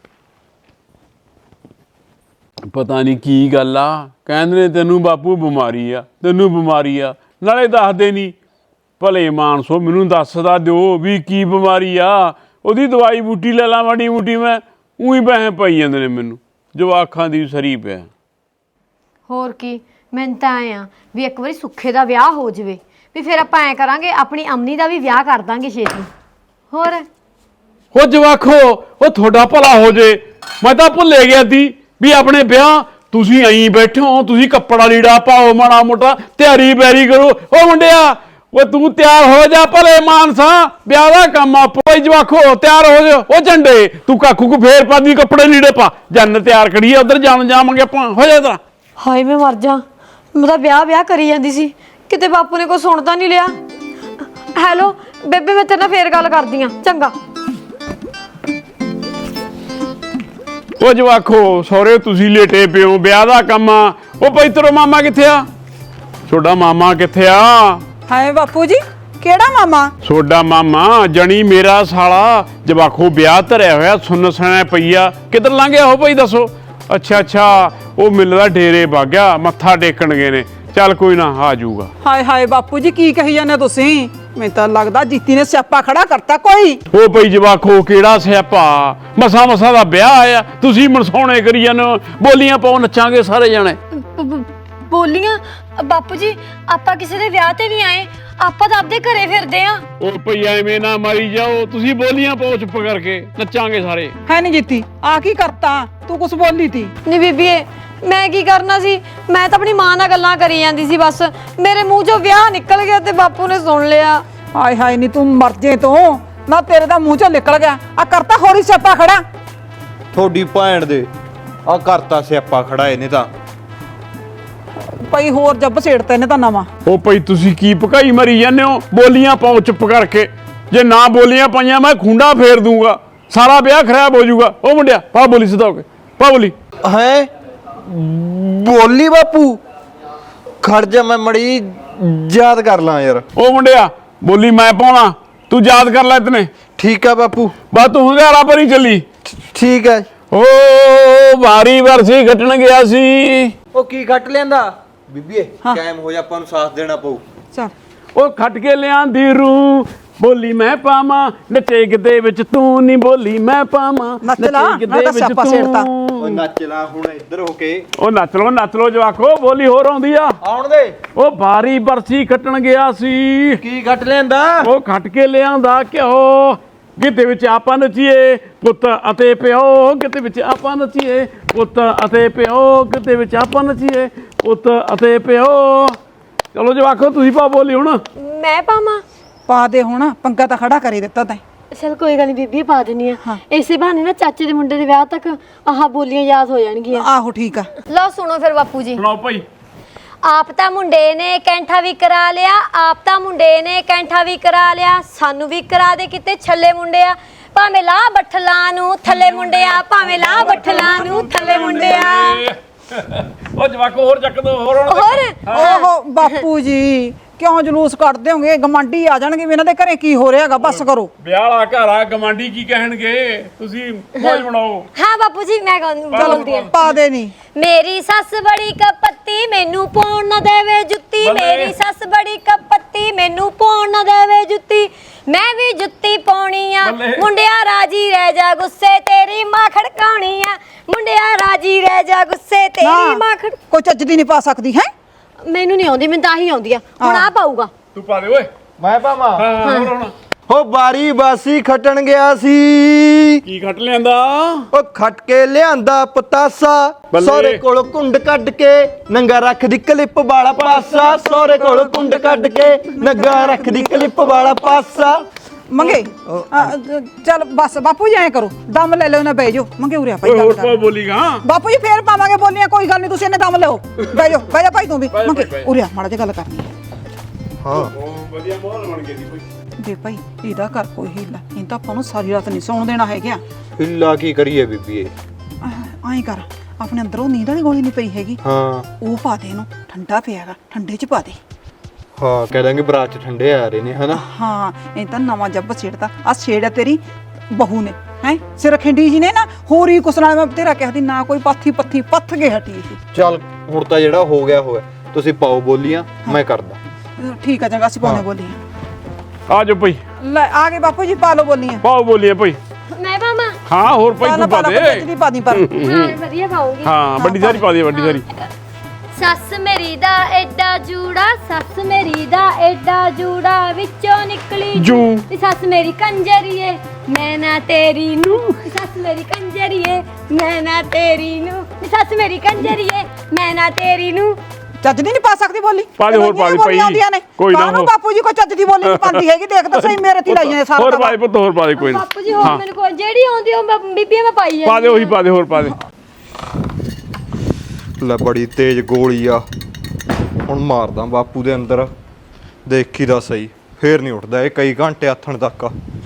D: ਪਤਾ ਨਹੀਂ ਕੀ ਗੱਲ ਆ, ਕਹਿੰਦੇ ਨੇ ਤੈਨੂੰ ਬਾਪੂ ਬਿਮਾਰੀ ਆ, ਤੈਨੂੰ ਬਿਮਾਰੀ ਆ, ਨਾਲੇ ਦੱਸਦੇ ਨਹੀਂ। ਭਲੇ ਮਾਨਸੋ ਮੈਨੂੰ ਦੱਸਦਾ ਦਿਓ ਵੀ ਕੀ ਬਿਮਾਰੀ ਆ। ਉਹਦੀ ਦਵਾਈ ਬੂਟੀ ਲੈ ਲਾ ਮਾੜੀ ਮੋਟੀ, ਮੈਂ ਉਹੀ ਪੈਸੇ ਪਾਈ ਜਾਂਦੇ ਨੇ ਮੈਨੂੰ। ਜਵਾਖਾਂ ਦੀ ਸਰੀ ਪਿਆ।
B: ਹੋਰ ਕੀ, ਮੈਨੂੰ ਤਾਂ ਐਂ ਆ ਵੀ ਇੱਕ ਵਾਰੀ ਸੁੱਖੇ ਦਾ ਵਿਆਹ ਹੋ ਜਾਵੇ, ਵੀ ਫਿਰ ਆਪਾਂ ਐਂ ਕਰਾਂਗੇ, ਆਪਣੀ ਅਮਨੀ ਦਾ ਵੀ ਵਿਆਹ ਕਰ ਦਾਂਗੇ ਛੇਤੀ। ਹੋਰ
D: ਉਹ ਜਵਾਖੋ, ਉਹ ਤੁਹਾਡਾ ਭਲਾ ਹੋ ਜੇ। ਮੈਂ ਤਾਂ ਭੁੱਲੇ ਗਿਆ ਸੀ ਵੀ ਆਪਣੇ ਵਿਆਹ ਤੁਸੀਂ ਐਂ ਬੈਠੇ ਹੋ। ਤੁਸੀਂ ਕੱਪੜਾ ਲੀੜਾ ਪਾਓ, ਮਾੜਾ ਮੋਟਾ ਤਿਆਰੀ ਬੈਰੀ ਕਰੋ। ਉਹ ਮੁੰਡਿਆ, ਉਹ ਤੂੰ ਤਿਆਰ ਹੋ ਜਾ, ਭਲੇ ਮਾਨਸਾ ਵਿਆਹ ਦਾ ਕੰਮ ਆ। ਭਾਈ ਜਵਾਖੋ ਤਿਆਰ ਹੋ ਜਾ। ਉਹ ਝੰਡੇ ਤੂੰ ਕਾਕੂ ਕੋ ਫੇਰ ਪਾਦੀ ਕੱਪੜੇ ਲੀੜੇ ਪਾ, ਜੰਨ ਤਿਆਰ ਕਰੀਏ, ਉਧਰ ਜਾਵਾਂਗੇ ਆਪਾਂ। ਹੋ ਜਾ ਤਰਾ।
B: ਹਾਏ ਮੈਂ ਮਰ ਜਾ, ਮੈਂ ਤਾਂ ਵਿਆਹ ਕਰੀ ਜਾਂਦੀ ਸੀ, ਕਿਤੇ ਬਾਪੂ ਨੇ ਕੋਈ ਸੁਣਦਾ ਨਹੀਂ ਲਿਆ। ਹੈਲੋ ਬੇਬੇ, ਮੈਂ ਤੇਰੇ ਨਾਲ ਫੇਰ ਗੱਲ ਕਰਦੀ ਆ, ਚੰਗਾ।
D: ਉਹ ਜਵਾਖੋ ਸਹੁਰੇ ਤੁਸੀਂ ਲੇਟੇ ਪਿਓ, ਵਿਆਹ ਦਾ ਕੰਮ ਆ। ਉਹ ਭਾਈ ਤੇਰਾ ਮਾਮਾ ਕਿੱਥੇ ਆ? ਤੁਹਾਡਾ ਮਾਮਾ ਕਿੱਥੇ ਆ?
C: ਹਾਏ ਬਾਪੂ ਜੀ, ਕਿਹੜਾ ਮਾਮਾ?
D: ਤੁਹਾਡਾ ਮਾਮਾ ਜਣੀ ਮੇਰਾ ਸਾਲਾ। ਜਵਾਖੋ ਵਿਆਹ ਧਰਿਆ ਹੋਇਆ, ਸੁੰਨ ਸਣਾ ਪਈ ਆ। ਕਿੱਧਰ ਲੰਘ ਗਿਆ ਉਹ ਭਾਈ ਦੱਸੋ? ਅੱਛਾ ਉਹ ਮਿਲਦਾ ਡੇਰੇ ਵਗ ਗਿਆ, ਮੱਥਾ ਟੇਕਣ ਗਏ ਨੇ। ਚੱਲ ਕੋਈ ਨਾ, ਆ ਜਾਊਗਾ।
C: ਹਾਏ ਹਾਏ ਬਾਪੂ ਜੀ, ਕੀ ਕਹੀ ਜਾਂਦੇ ਤੁਸੀਂ? ਮੈਨੂੰ ਤਾਂ ਲੱਗਦਾ ਜੀਤੀ ਨੇ ਸਿਆਪਾ ਖੜਾ ਕਰਤਾ ਕੋਈ।
D: ਉਹ ਭਾਈ ਜਵਾਖੋ ਕਿਹੜਾ ਸਿਆਪਾ? ਮਸਾ ਦਾ ਵਿਆਹ ਆਇਆ, ਤੁਸੀਂ ਮਨਸਾਉਣੇ ਕਰੀ ਜਾਂਦੇ ਹੋ। ਬੋਲੀਆਂ ਪਾਓ, ਨੱਚਾਂਗੇ ਸਾਰੇ ਜਾਣੇ।
B: ਬੋਲੀਆਂ? ਬਾਪੂ ਜੀ ਆਪਾਂ ਕਿਸੇ ਦੇ ਵਿਆਹ ਤੇ ਨਹੀਂ ਆਏ, ਆਪਾਂ ਤਾਂ ਆਪਦੇ ਘਰੇ ਫਿਰਦੇ ਆ।
D: ਉਹ ਭਈ ਐਵੇਂ ਨਾ ਮਾਰੀ ਜਾਓ, ਤੁਸੀਂ ਬੋਲੀਆਂ ਪਾਓ ਚੁੱਪ ਕਰਕੇ, ਨੱਚਾਂਗੇ ਸਾਰੇ।
C: ਹੈ ਨਹੀਂ ਜੀਤੀ, ਆ ਕੀ ਕਰਤਾ ਤੂੰ? ਕੁਛ ਬੋਲੀ ਤੀ?
B: ਨਹੀਂ ਬੀਬੀਏ, ਮੈਂ ਕੀ ਕਰਨਾ ਸੀ? ਮੈਂ ਤਾਂ ਆਪਣੀ ਮਾਂ ਨਾਲ ਗੱਲਾਂ ਕਰੀ ਜਾਂਦੀ ਸੀ, ਬਸ ਮੇਰੇ ਮੂੰਹ ਚੋਂ ਵਿਆਹ ਨਿਕਲ ਗਿਆ ਤੇ ਬਾਪੂ ਨੇ ਸੁਣ ਲਿਆ।
C: ਹਾਏ ਹਾਏ ਨਹੀਂ ਤੂੰ ਮਰ ਜੇ ਤੂੰ ਨਾ, ਤੇਰੇ ਦਾ ਮੂੰਹ ਚੋਂ ਨਿਕਲ ਗਿਆ। ਆ ਕਰਤਾ ਹੋਰੀ ਸਿਆਪਾ ਖੜਾ।
A: ਤੁਹਾਡੀ ਭੈਣ ਦੇ ਆ ਕਰਤਾ ਸਿਆਪਾ ਖੜਾ ਇਹਨੇ ਤਾਂ।
C: ਭਾਈ ਹੋਰ ਜੱਬ ਸੇੜਤਾ ਇਹਨੇ ਤਾਂ ਨਵਾਂ।
D: ਉਹ ਭਾਈ ਤੁਸੀਂ ਕੀ ਭਕਾਈ ਮਰੀ ਜਾਂਦੇ ਹੋ? ਬੋਲੀਆਂ ਪਾਓ ਚੁੱਪ ਕਰਕੇ। ਜੇ ਨਾ ਬੋਲੀਆਂ ਪਾਈਆਂ ਮੈਂ ਖੁੰਡਾ ਫੇਰ ਦੂੰਗਾ, ਸਾਰਾ ਵਿਆਹ ਖਰਾਬ ਹੋ ਜਾਊਗਾ। ਉਹ ਮੁੰਡਿਆ ਪਾ ਬੋਲੀ ਸਿੱਧਾ ਹੋ ਕੇ ਪਾ ਬੋਲੀ।
A: ਹੈ ਬੋਲੀ ਬਾਪੂ, ਖੜ ਜਾ ਮੈਂ ਮੜੀ ਯਾਦ ਕਰ ਲਾਂ ਯਾਰ।
D: ਉਹ ਮੁੰਡਿਆ ਬੋਲੀ ਮੈਂ ਪਾਉਣਾ, ਤੂੰ ਯਾਦ ਕਰ ਲੈ ਇਤਨੇ।
A: ਠੀਕ ਆ ਬਾਪੂ।
D: ਬਸ ਤੂੰ ਹਜ਼ਾਰਾ ਪਰ ਹੀ ਚੱਲੀ।
A: ਠੀਕ ਹੈ।
D: ਓ ਵਾਰੀ ਵਰਸੀ ਕੱਟਣ ਗਿਆ ਸੀ।
A: ਉਹ ਕੀ ਕੱਟ ਲੈਂਦਾ ਬੀਬੀਏ? ਕਾਇਮ ਹੋ ਜਾ, ਆਪਾਂ ਨੂੰ ਸਾਥ ਦੇਣਾ ਪਊ।
C: ਚੱਲ
D: ਉਹ ਖੱਟ ਕੇ ਲਿਆਂਦੀ ਰੂ, ਬੋਲੀ ਮੈਂ ਪਾਵਾਂ ਨੱਚੇ ਕਿਤੇ ਵਿੱਚ ਤੂੰ ਨਹੀਂ, ਬੋਲੀ ਮੈਂ ਪਾਵਾਂ
C: ਨੱਚ ਲਾ, ਮੈਂ ਤਾਂ ਸਿਆਪਾ ਸੇੜਤਾ।
A: ਓ ਨੱਚ ਲਾ ਹੁਣ ਇੱਧਰ ਹੋ ਕੇ।
D: ਉਹ ਨੱਚ ਲੋ ਜਵਾਕੋ, ਬੋਲੀ ਹੋਰ ਆਉਂਦੀ ਆ।
A: ਆਉਣ ਦੇ।
D: ਉਹ ਵਾਰੀ ਵਰਸੀ ਕੱਟਣ ਗਿਆ ਸੀ।
A: ਕੀ ਕੱਟ ਲੈਂਦਾ?
D: ਉਹ ਖੱਟ ਕੇ ਲਿਆਂਦਾ ਘਿਓ, ਕਿਤੇ ਵਿੱਚ ਆਪਾਂ ਨੱਚੀਏ ਪੁੱਤ ਅਤੇ ਪਿਓ, ਕਿਤੇ ਵਿੱਚ ਆਪਾਂ ਨੱਚੀਏ ਪੁੱਤ ਅਤੇ ਪਿਓ, ਕਿਤੇ ਵਿੱਚ ਆਪਾਂ ਨੱਚੀਏ ਪੁੱਤ ਅਤੇ ਪਿਓ। ਚਲੋ ਜਵਾਕੋ ਤੁਸੀਂ ਪਾ ਬੋਲੀ ਹੁਣ।
B: ਮੈਂ ਪਾਵਾਂ?
C: ਪਾ ਦੇ ਹੁਣ, ਪੰਗਾ ਤਾਂ ਖੜਾ ਕਰੀ ਦਿੱਤਾ ਤੈਂ।
B: ਚਲ ਕੋਈ ਗੱਲ ਨਹੀਂ ਬੀਬੀ, ਪਾ ਦਿੰਨੀ ਆ। ਇਸੇ ਬਹਾਨੇ ਨਾ ਚਾਚੇ ਦੇ ਮੁੰਡੇ ਦੇ ਵਿਆਹ ਤੱਕ ਆਹ ਬੋਲੀਆਂ ਯਾਦ ਹੋ ਜਾਣਗੀਆਂ।
C: ਆਹੋ ਠੀਕ ਆ।
B: ਲਓ ਸੁਣੋ ਫਿਰ ਬਾਪੂ ਜੀ।
D: ਸੁਣਾਓ ਭਾਈ।
B: ਆਪ ਤਾਂ ਮੁੰਡੇ ਨੇ ਕੈਂਠਾ ਵੀ ਕਰਾ ਲਿਆ, ਆਪ ਤਾਂ ਮੁੰਡੇ ਨੇ ਕੈਂਠਾ ਵੀ ਕਰਾ ਲਿਆ, ਸਾਨੂੰ ਵੀ ਕਰਾ ਦੇ ਕਿਤੇ ਛੱਲੇ ਮੁੰਡਿਆ। ਭਾਵੇਂ ਲਾ ਬੱਠਲਾਂ ਨੂੰ ਥੱਲੇ ਮੁੰਡਿਆ, ਭਾਵੇਂ ਲਾ ਬੱਠਲਾਂ ਨੂੰ ਥੱਲੇ ਮੁੰਡਿਆ।
D: ਉਹ ਜਵਾਕੋ ਹੋਰ ਚੱਕ ਦੋ ਹੋਰ ਹੁਣ।
B: ਹੋਰ
C: ਓਹੋ ਬਾਪੂ ਜੀ, ਕਿਉਂ ਜਲੂਸ ਕੱਢਦੇ ਹੋਗੇ? ਗਮੰਡੀ ਆ ਜਾਣਗੇ ਵੀ ਇਹਨਾਂ ਦੇ ਘਰੇ ਕੀ ਹੋ ਰਿਹਾਗਾ। ਬਸ ਕਰੋ।
D: ਵਿਆਹ ਵਾਲਾ ਘਰ ਆ, ਗਵਾਂਢੀ ਕੀ ਕਹਿਣਗੇ? ਤੁਸੀਂ ਮੌਜ ਬਣਾਓ।
B: ਹਾਂ ਬਾਪੂ ਜੀ ਮੈਂ ਗਾਉਂਦੀ ਆ।
C: ਪਾ ਦੇ ਨਹੀਂ।
B: ਮੇਰੀ ਸੱਸ ਬੜੀ ਕਪੱਤੀ, ਮੈਨੂੰ ਪਾਉਣ ਨਾ ਦੇਵੇ ਜੁੱਤੀ। ਮੇਰੀ ਸੱਸ ਬੜੀ ਕਪੱਤੀ, ਮੈਨੂੰ ਪਾਉਣ ਨਾ ਦੇਵੇ ਜੁੱਤੀ। ਮੈਂ ਵੀ ਜੁੱਤੀ ਪਾਉਣੀ ਆ, ਮੁੰਡਿਆ ਰਾਜੀ ਰਹਿ ਜਾ, ਗੁੱਸੇ ਤੇਰੀ ਮਾਂ ਖੜਕਾਉਣੀ ਆ। ਮੁੰਡਿਆ ਰਾਜੀ ਰਹਿ ਜਾ, ਗੁੱਸੇ ਤੇਰੀ ਮਾਂ ਖੜ।
C: ਕੋਈ ਚੱਜ ਦੀ ਨਹੀਂ ਪਾ ਸਕਦੀ ਹੈ।
B: ਮੈਨੂੰ ਨਹੀਂ ਆਉਂਦੀ, ਮੈਨੂੰ ਤਾਂ ਹੀ ਆਉਂਦੀ ਆ। ਹੁਣ ਆ ਪਾਊਗਾ।
D: ਤੂੰ ਪਾ ਦੇ ਓਏ।
A: ਮੈਂ ਪਾਵਾਂ?
D: ਹਾਂ ਹੋਰ ਹੁਣ।
A: ਹੋ ਬਾਰੀ ਬਾਸੀ ਖਟਣ ਗਿਆ ਸੀ।
D: ਕੀ ਖੱਟ ਲਿਆਂਦਾ?
A: ਉਹ ਖੱਟ ਕੇ ਲਿਆਂਦਾ ਪਤਾਸਾ, ਸੋਰੇ ਕੋਲ ਕੁੰਡ ਕੱਢ ਕੇ ਨੰਗਾ ਰੱਖਦੀ ਕਲਿੱਪ ਵਾਲਾ ਪਾਸਾ। ਸੋਰੇ ਕੋਲ ਕੁੰਡ ਕੱਢ ਕੇ ਨੰਗਾ ਰੱਖਦੀ ਕਲਿੱਪ ਵਾਲਾ ਪਾਸਾ।
C: ਮੰਗੇ ਚੱਲ ਬਸ ਬਾਪੂ ਜੀ ਐਂ ਕਰੋ, ਦਮ ਲੈ ਲਓ ਨਾ, ਬਹਿ ਜਾਓ। ਮੰਗੇ ਉਰਿਆ ਭਾਈ
D: ਓਏ
C: ਗੱਲ
D: ਹੋਰ
C: ਕਰ।
D: ਪਾ ਬੋਲੀ ਗਾ।
C: ਬਾਪੂ ਜੀ ਫੇਰ ਪਾਵਾਂਗੇ ਬੋਲੀਆਂ, ਕੋਈ ਗੱਲ ਨਹੀਂ, ਤੁਸੀਂ ਇਹਨੇ ਦਮ ਲਿਓ। ਬਹਿ ਜਾ ਭਾਈ ਤੂੰ ਵੀ। ਮੰਗੇ ਉਰਿਆ ਮਾੜਾ ਜਿਹਾ ਗੱਲ ਕਰਨੀ ਹੈ।
A: ਹਾਂ
D: ਵਧੀਆ ਮਾਹੌਲ ਬਣ ਗਿਆ ਦੀ ਕੋਈ।
C: ਦੇ ਭਾਈ ਇਹਦਾ ਕਰ ਕੋਈ ਹੀਲਾ, ਇਹ ਤਾਂ ਆਪਾਂ ਨੂੰ ਸਾਰੀ ਰਾਤ ਨਹੀਂ ਸੌਣ ਦੇਣਾ ਹੈਗਾ।
A: ਹਿੱਲਾ ਕੀ ਕਰੀਏ ਬੀਬੀਏ?
C: ਐਂ ਕਰ, ਆਪਣੇ ਅੰਦਰੋਂ ਨੀਂਦ ਵਾਲੀ ਗੋਲੀ ਨਹੀਂ ਪਈ ਹੈਗੀ,
A: ਹਾਂ
C: ਉਹ ਪਾ ਦੇ ਇਹਨੂੰ। ਠੰਡਾ ਪਿਆਗਾ, ਠੰਡੇ ਚ ਪਾ ਦੇ।
A: ਹਾਂ ਕਹਿ ਦਾਂਗੇ ਬਰਾਤ ਚ ਠੰਡੇ ਆ ਰਹੇ ਨੇ ਹਨਾ।
C: ਹਾਂ ਇਹ ਤਾਂ ਨਵਾਂ ਜੱਬ ਛੇੜਦਾ। ਆ ਛੇੜ ਹੈ ਤੇਰੀ ਬਹੂ ਨੇ, ਹੈ ਸਿਰ ਖਿੰਡੀ ਜੀ ਨੇ ਨਾ। ਹੋਰ ਹੀ ਕੁਛ ਨਾਲ ਮੈਂ ਤੇਰਾ ਕਹਿਦੀ ਨਾ, ਕੋਈ ਪਾਥੀ ਪੱਥੀ ਪੱਥ ਕੇ ਹਟੀ ਇਹ।
A: ਚੱਲ ਹੁਣ ਤਾਂ ਜਿਹੜਾ ਹੋ ਗਿਆ ਹੋਇਆ, ਤੁਸੀਂ ਪਾਓ ਬੋਲੀਆਂ, ਮੈਂ ਕਰਦਾ।
C: ਠੀਕ ਆ ਚੰਗਾ, ਅਸੀਂ ਪਾਉਣੇ ਬੋਲੀਆਂ।
D: ਆ ਜਾ ਭਾਈ,
C: ਲੈ ਆ ਗਏ ਬਾਪੂ ਜੀ, ਪਾ ਲਓ ਬੋਲੀਆਂ।
D: ਪਾਓ ਬੋਲੀਆਂ ਭਾਈ।
B: ਮੈਂ ਪਾਵਾਂ?
D: ਹਾਂ ਹੋਰ ਭਾਈ ਤੂੰ ਪਾ ਦੇ।
C: ਨਹੀਂ ਪਾ ਦੀ ਪਰ
B: ਹਾਂ ਵਧੀਆ ਪਾਉਂਗੀ।
D: ਹਾਂ ਵੱਡੀ ਸਾਰੀ ਪਾ ਦੇ, ਵੱਡੀ ਸਾਰੀ।
B: ਸੱਸ ਮੇਰੀ ਦਾ ਐਡਾ ਜੂੜਾ, ਸੱਸ ਮੇਰੀ ਦਾ ਐਡਾ ਜੂੜਾ, ਵਿੱਚੋਂ ਨਿਕਲੀ
D: ਜੂ।
B: ਨੀ ਸੱਸ ਮੇਰੀ ਕੰਜਰੀਏ, ਮੈਂ ਨਾ ਤੇਰੀ ਨੂੰ। ਨੀ ਸੱਸ ਮੇਰੀ ਕੰਜਰੀਏ, ਮੈਂ ਨਾ ਤੇਰੀ ਨੂੰ। ਨੀ ਸੱਸ ਮੇਰੀ ਕੰਜਰੀਏ, ਮੈਂ ਨਾ ਤੇਰੀ ਨੂੰ।
C: ਚੱਜ ਦੀ ਨਹੀਂ ਪਾ ਸਕਦੀ ਬੋਲੀ।
D: ਪਾ ਦੇ ਹੋਰ ਪਾ ਦੇ ਭਾਈ, ਕੋਈ ਨਾ
C: ਕਾਹਨੂੰ ਬਾਪੂ ਜੀ ਕੋਈ ਚੱਜ ਦੀ ਬੋਲੀ ਨਹੀਂ ਪਾਉਂਦੀ ਹੈਗੀ। ਦੇਖ ਤਾਂ ਸਹੀ ਮੇਰੇ ਤੇ ਲਾਈਆਂ ਸਾਰਾ।
D: ਹੋਰ ਪਾ ਦੇ ਪੁੱਤ, ਹੋਰ ਪਾ ਦੇ ਕੋਈ ਨਾ।
B: ਬਾਪੂ ਜੀ ਹੋਰ ਮੈਨੂੰ ਕੋਈ ਜਿਹੜੀ ਆਉਂਦੀ ਉਹ ਬੀਬੀਆਂ ਮੈਂ ਪਾਈ
D: ਪਾ ਦੇ ਉਹੀ ਪਾ ਦੇ, ਹੋਰ ਪਾ ਦੇ।
A: ਲੈ ਬੜੀ ਤੇਜ਼ ਗੋਲੀ ਆ, ਹੁਣ ਮਾਰਦਾ ਬਾਪੂ ਦੇ ਅੰਦਰ। ਦੇਖੀ ਦਾ ਸਹੀ, ਫੇਰ ਨਹੀਂ ਉੱਠਦਾ ਇਹ ਕਈ ਘੰਟੇ ਆਥਣ ਤੱਕ।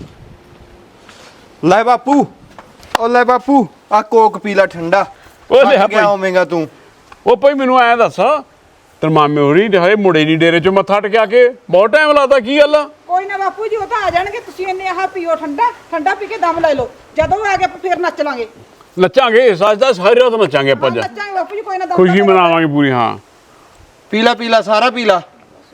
A: ਲੈ ਬਾਪੂ, ਉਹ ਲੈ ਬਾਪੂ ਆ ਕੋਕ ਪੀ ਲੈ ਠੰਡਾ।
D: ਉਹ ਲੈ
A: ਥੱਕ ਗਿਆ
D: ਭਾਈ।
A: ਹੋਵੇਂਗਾ ਤੂੰ।
D: ਉਹ ਭਾਈ ਮੈਨੂੰ ਐਂ ਦੱਸ, ਤੇਰੇ ਮਾਮੇ ਹੋਰੀ ਹਏ ਮੁੜੇ ਨਹੀਂ ਡੇਰੇ ਚੋਂ ਮੱਥਾ ਟਕਿਆ ਕੇ ਬਹੁਤ ਟਾਈਮ ਲਾਤਾ, ਕੀ ਗੱਲ ਆ?
C: ਕੋਈ ਨਾ ਬਾਪੂ ਜੀ, ਉਹ ਤਾਂ ਆ ਜਾਣਗੇ। ਤੁਸੀਂ ਇੰਨੇ ਆਹ ਪੀਓ ਠੰਡਾ, ਠੰਡਾ ਪੀ ਕੇ ਦਮ ਲੈ ਲਓ। ਜਦੋਂ ਆ ਗਏ ਫੇਰ ਨੱਚ ਲਾਂਗੇ।
D: ਨੱਚਾਂਗੇ ਸੱਚਦਾ, ਸਾਰੀ ਰਾਤ ਨੱਚਾਂਗੇ ਆਪਾਂ ਅੱਜ।
C: ਨੱਚਾਂਗੇ ਬਾਪੂ ਜੀ, ਕੋਈ ਨਾ ਦਮ
D: ਖੁਸ਼ੀ ਮਨਾਵਾਂਗੇ ਪੂਰੀ। ਹਾਂ
A: ਪੀ ਲਾ ਸਾਰਾ ਪੀ ਲਾ।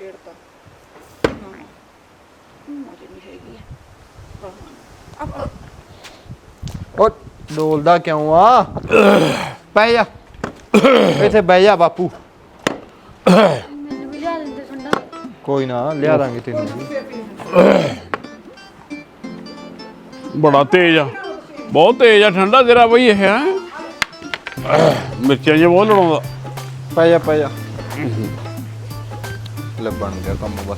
A: ਉਹ ਡੋਲਦਾ ਕਿਉਂ ਆ? ਬਹਿ ਜਾ ਇੱਥੇ, ਬਹਿ ਜਾ ਬਾਪੂ।
B: ਮੈਨੂੰ ਵੀ ਲਿਆ ਦਿੰਦੇ ਠੰਡਾ।
A: ਕੋਈ ਨਾ ਲਿਆ ਦਾਂਗੇ ਤੈਨੂੰ ਵੀ।
D: ਬੜਾ ਤੇਜ਼ ਆ, ਬਹੁਤ ਤੇਜ਼ ਆ ਠੰਡਾ ਤੇਰਾ ਬਈ ਇਹ ਹੈ। ਮਿਰਚਾਂ ਜਿਹਾ ਬਹੁਤ ਲੜਾਉਂਦਾ।
A: ਪੈ ਜਾ ਲੱਭਣ ਗਿਆ ਕੰਮ ਬਸ।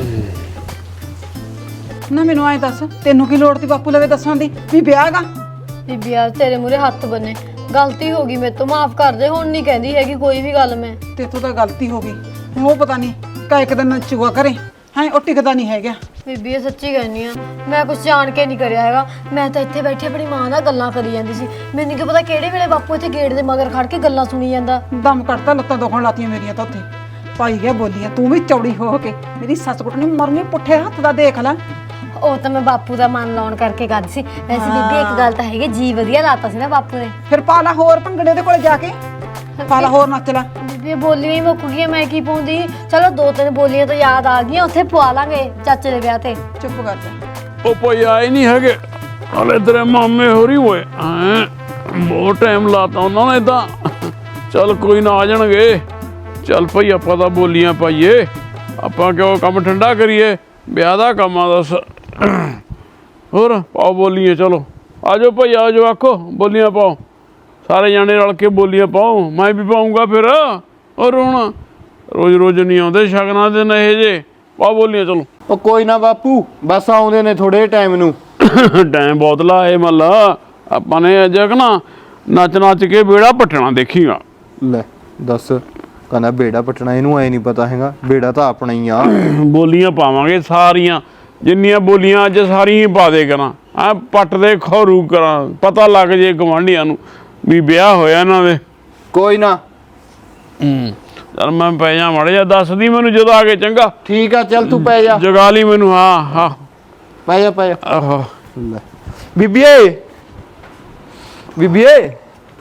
C: ਨਾ ਮੈਨੂੰ ਐਂ ਦੱਸ, ਤੈਨੂੰ ਕੀ ਲੋੜ ਤੀ ਬਾਪੂ ਲਵੇ ਦੱਸਣ ਦੀ ਵੀ ਵਿਆਹ ਗਾ?
B: ਬੀਬੀ ਯਾਰ ਤੇਰੇ ਮੂਰੇ ਹੱਥ ਬੰਨੇ, ਗਲਤੀ ਹੋ ਗਈ ਮੇਰੇ ਤੋਂ, ਮਾਫ ਕਰ ਦੇ। ਹੁਣ ਨਹੀਂ ਕਹਿੰਦੀ ਹੈਗੀ ਕੋਈ ਵੀ ਗੱਲ ਮੈਂ।
C: ਤੇ ਤੋਂ ਤਾਂ ਗਲਤੀ ਹੋ ਗਈ। ਹੁਣ ਉਹ ਪਤਾ ਨਹੀਂ ਕਾ ਇੱਕ ਦਿਨ ਨੱਚੂਗਾ ਕਰੇ ਹੈ, ਉਹ ਟਿਕਦਾ ਨਹੀਂ ਹੈਗਾ।
B: ਬੀਬੀ ਇਹ ਸੱਚੀ ਕਹਿੰਦੀ ਆ, ਮੈਂ ਕੁਝ ਜਾਣ ਕੇ ਨਹੀਂ ਕਰਿਆ ਹੈਗਾ। ਮੈਂ ਤਾਂ ਇੱਥੇ ਬੈਠੇ ਆਪਣੀ ਮਾਂ ਨਾਲ ਗੱਲਾਂ ਕਰੀ ਜਾਂਦੀ ਸੀ। ਮੈਨੂੰ ਕੀ ਪਤਾ ਕਿਹੜੇ ਵੇਲੇ ਬਾਪੂ ਇੱਥੇ ਗੇਟ ਦੇ ਮਗਰ ਖੜ ਕੇ ਗੱਲਾਂ ਸੁਣੀ ਜਾਂਦਾ।
C: ਦਮ ਕੱਢਤਾ, ਲੱਤਾਂ ਦੁਖਣ ਲਾਤੀਆਂ ਮੇਰੀਆਂ ਤਾਂ ਉੱਥੇ ਪਾਈ ਗਿਆ ਬੋਲੀਆਂ। ਤੂੰ ਵੀ ਚੌੜੀ ਹੋ ਕੇ ਮੇਰੀ ਸੱਸ ਕੁੱਟ ਨੇ ਮਰਨੀ ਪੁੱਠੇ ਹੱਥ ਦਾ ਦੇਖ ਲੈ।
B: ਉਹ ਤਾਂ ਮੈਂ ਬਾਪੂ ਦਾ ਮਨ ਲਾਉਣ ਕਰਕੇ ਕਰਦੀ ਸੀ। ਵੈਸੇ ਬੀਬੀ ਇੱਕ ਗੱਲ ਤਾਂ ਹੈਗੀ, ਜੀ ਵਧੀਆ ਲਾਤਾ ਸੀ ਨਾ ਬਾਪੂ ਨੇ।
C: ਫਿਰ ਪਾ ਲਾ ਹੋਰ ਭੰਗੜੇ ਦੇ ਕੋਲ ਜਾ ਕੇ, ਪਾ ਲਾ ਹੋਰ ਨੱਚ ਲੈ।
B: ਬੀਬੀ ਇਹ ਬੋਲੀਆਂ ਹੀ ਮੁੱਕ ਗਈਆਂ, ਮੈਂ ਕੀ ਪਾਉਂਦੀ। ਚਲੋ 2-3 ਬੋਲੀਆਂ ਤਾਂ ਯਾਦ ਆ ਗਈਆਂ, ਉੱਥੇ ਪਵਾ ਲਾਂਗੇ ਚਾਚੇ ਦੇ ਵਿਆਹ ਤੇ।
C: ਚੁੱਪ ਕਰ ਜਾ।
D: ਉਹ ਭਾਈ ਆਏ ਨਹੀਂ ਹੈਗੇ ਹਲੇ ਤੇਰੇ ਮਾਮੇ ਹੋਰੀ ਹੋਏ ਹੈਂ, ਬਹੁਤ ਟਾਈਮ ਲਾਤਾ ਉਹਨਾਂ ਨੇ ਤਾਂ। ਚੱਲ ਕੋਈ ਨਾ ਆ ਜਾਣਗੇ। ਚੱਲ ਭਾਈ ਆਪਾਂ ਤਾਂ ਬੋਲੀਆਂ ਪਾਈਏ, ਆਪਾਂ ਕਿਉਂ ਕੰਮ ਠੰਡਾ ਕਰੀਏ, ਵਿਆਹ ਦਾ ਕੰਮ ਆ ਦੱਸ। ਹੋਰ ਪਾਓ ਬੋਲੀਆਂ, ਚਲੋ ਆ ਜਾਓ ਭਾਈ ਆ ਜਾਓ, ਆਖੋ ਬੋਲੀਆਂ ਪਾਓ, ਸਾਰੇ ਜਾਣੇ ਰਲ ਕੇ ਬੋਲੀਆਂ ਪਾਓ। ਮੈਂ ਵੀ ਪਾਊਂਗਾ ਫਿਰ। ਔਰ ਹੁਣ ਰੋਜ਼ ਰੋਜ਼ ਨਹੀਂ ਆਉਂਦੇ ਸ਼ਗਨਾਂ ਦੇ ਨੇ ਇਹ ਜੇ, ਪਾਓ ਬੋਲੀਆਂ ਚਲੋ।
A: ਉਹ ਕੋਈ ਨਾ ਬਾਪੂ, ਬਸ ਆਉਂਦੇ ਨੇ ਥੋੜੇ ਟਾਈਮ ਨੂੰ।
D: ਟਾਈਮ ਬਹੁਤ ਲਾਏ ਮੱਲਾ, ਆਪਾਂ ਨੇ ਅੱਜ ਨਾ ਨੱਚ ਨੱਚ ਕੇ ਬੇੜਾ ਪੱਟਣਾ ਦੇਖੀਗਾ।
A: ਲੈ ਦੱਸ, ਕਹਿੰਦਾ ਬੇੜਾ ਪਟਣਾ, ਇਹਨੂੰ ਐ ਨਹੀਂ ਪਤਾ ਹੈਗਾ ਬੇੜਾ ਤਾਂ ਆਪਣਾ ਹੀ ਆ।
D: ਬੋਲੀਆਂ ਪਾਵਾਂਗੇ ਸਾਰੀਆਂ, ਜਿੰਨੀਆਂ ਬੋਲੀਆਂ ਅੱਜ ਸਾਰੀਆਂ ਹੀ ਪਾ ਦੇ ਕਰਾਂ। ਆ ਪੱਟ ਦੇ ਖੌਰੂ ਕਰਾਂ, ਪਤਾ ਲੱਗ ਜੇ ਗਵਾਂਢੀਆਂ ਨੂੰ ਵੀ ਵਿਆਹ ਹੋਇਆ ਇਹਨਾਂ ਦੇ।
A: ਕੋਈ ਨਾ।
D: ਚੱਲ ਮੈਂ ਪੈ ਜਾ ਮੜ ਜਾ, ਦੱਸਦੀ ਮੈਨੂੰ ਜਦੋਂ ਆ ਕੇ, ਚੰਗਾ।
A: ਠੀਕ ਆ, ਚੱਲ ਤੂੰ ਪੈ ਜਾ।
D: ਜਗਾ ਲਈ ਮੈਨੂੰ। ਹਾਂ ਹਾਂ
A: ਪੈ ਜਾ ਪੈ ਜਾ।
D: ਆਹੋ
A: ਲੈ ਬੀਬੀਏ, ਬੀਬੀਏ,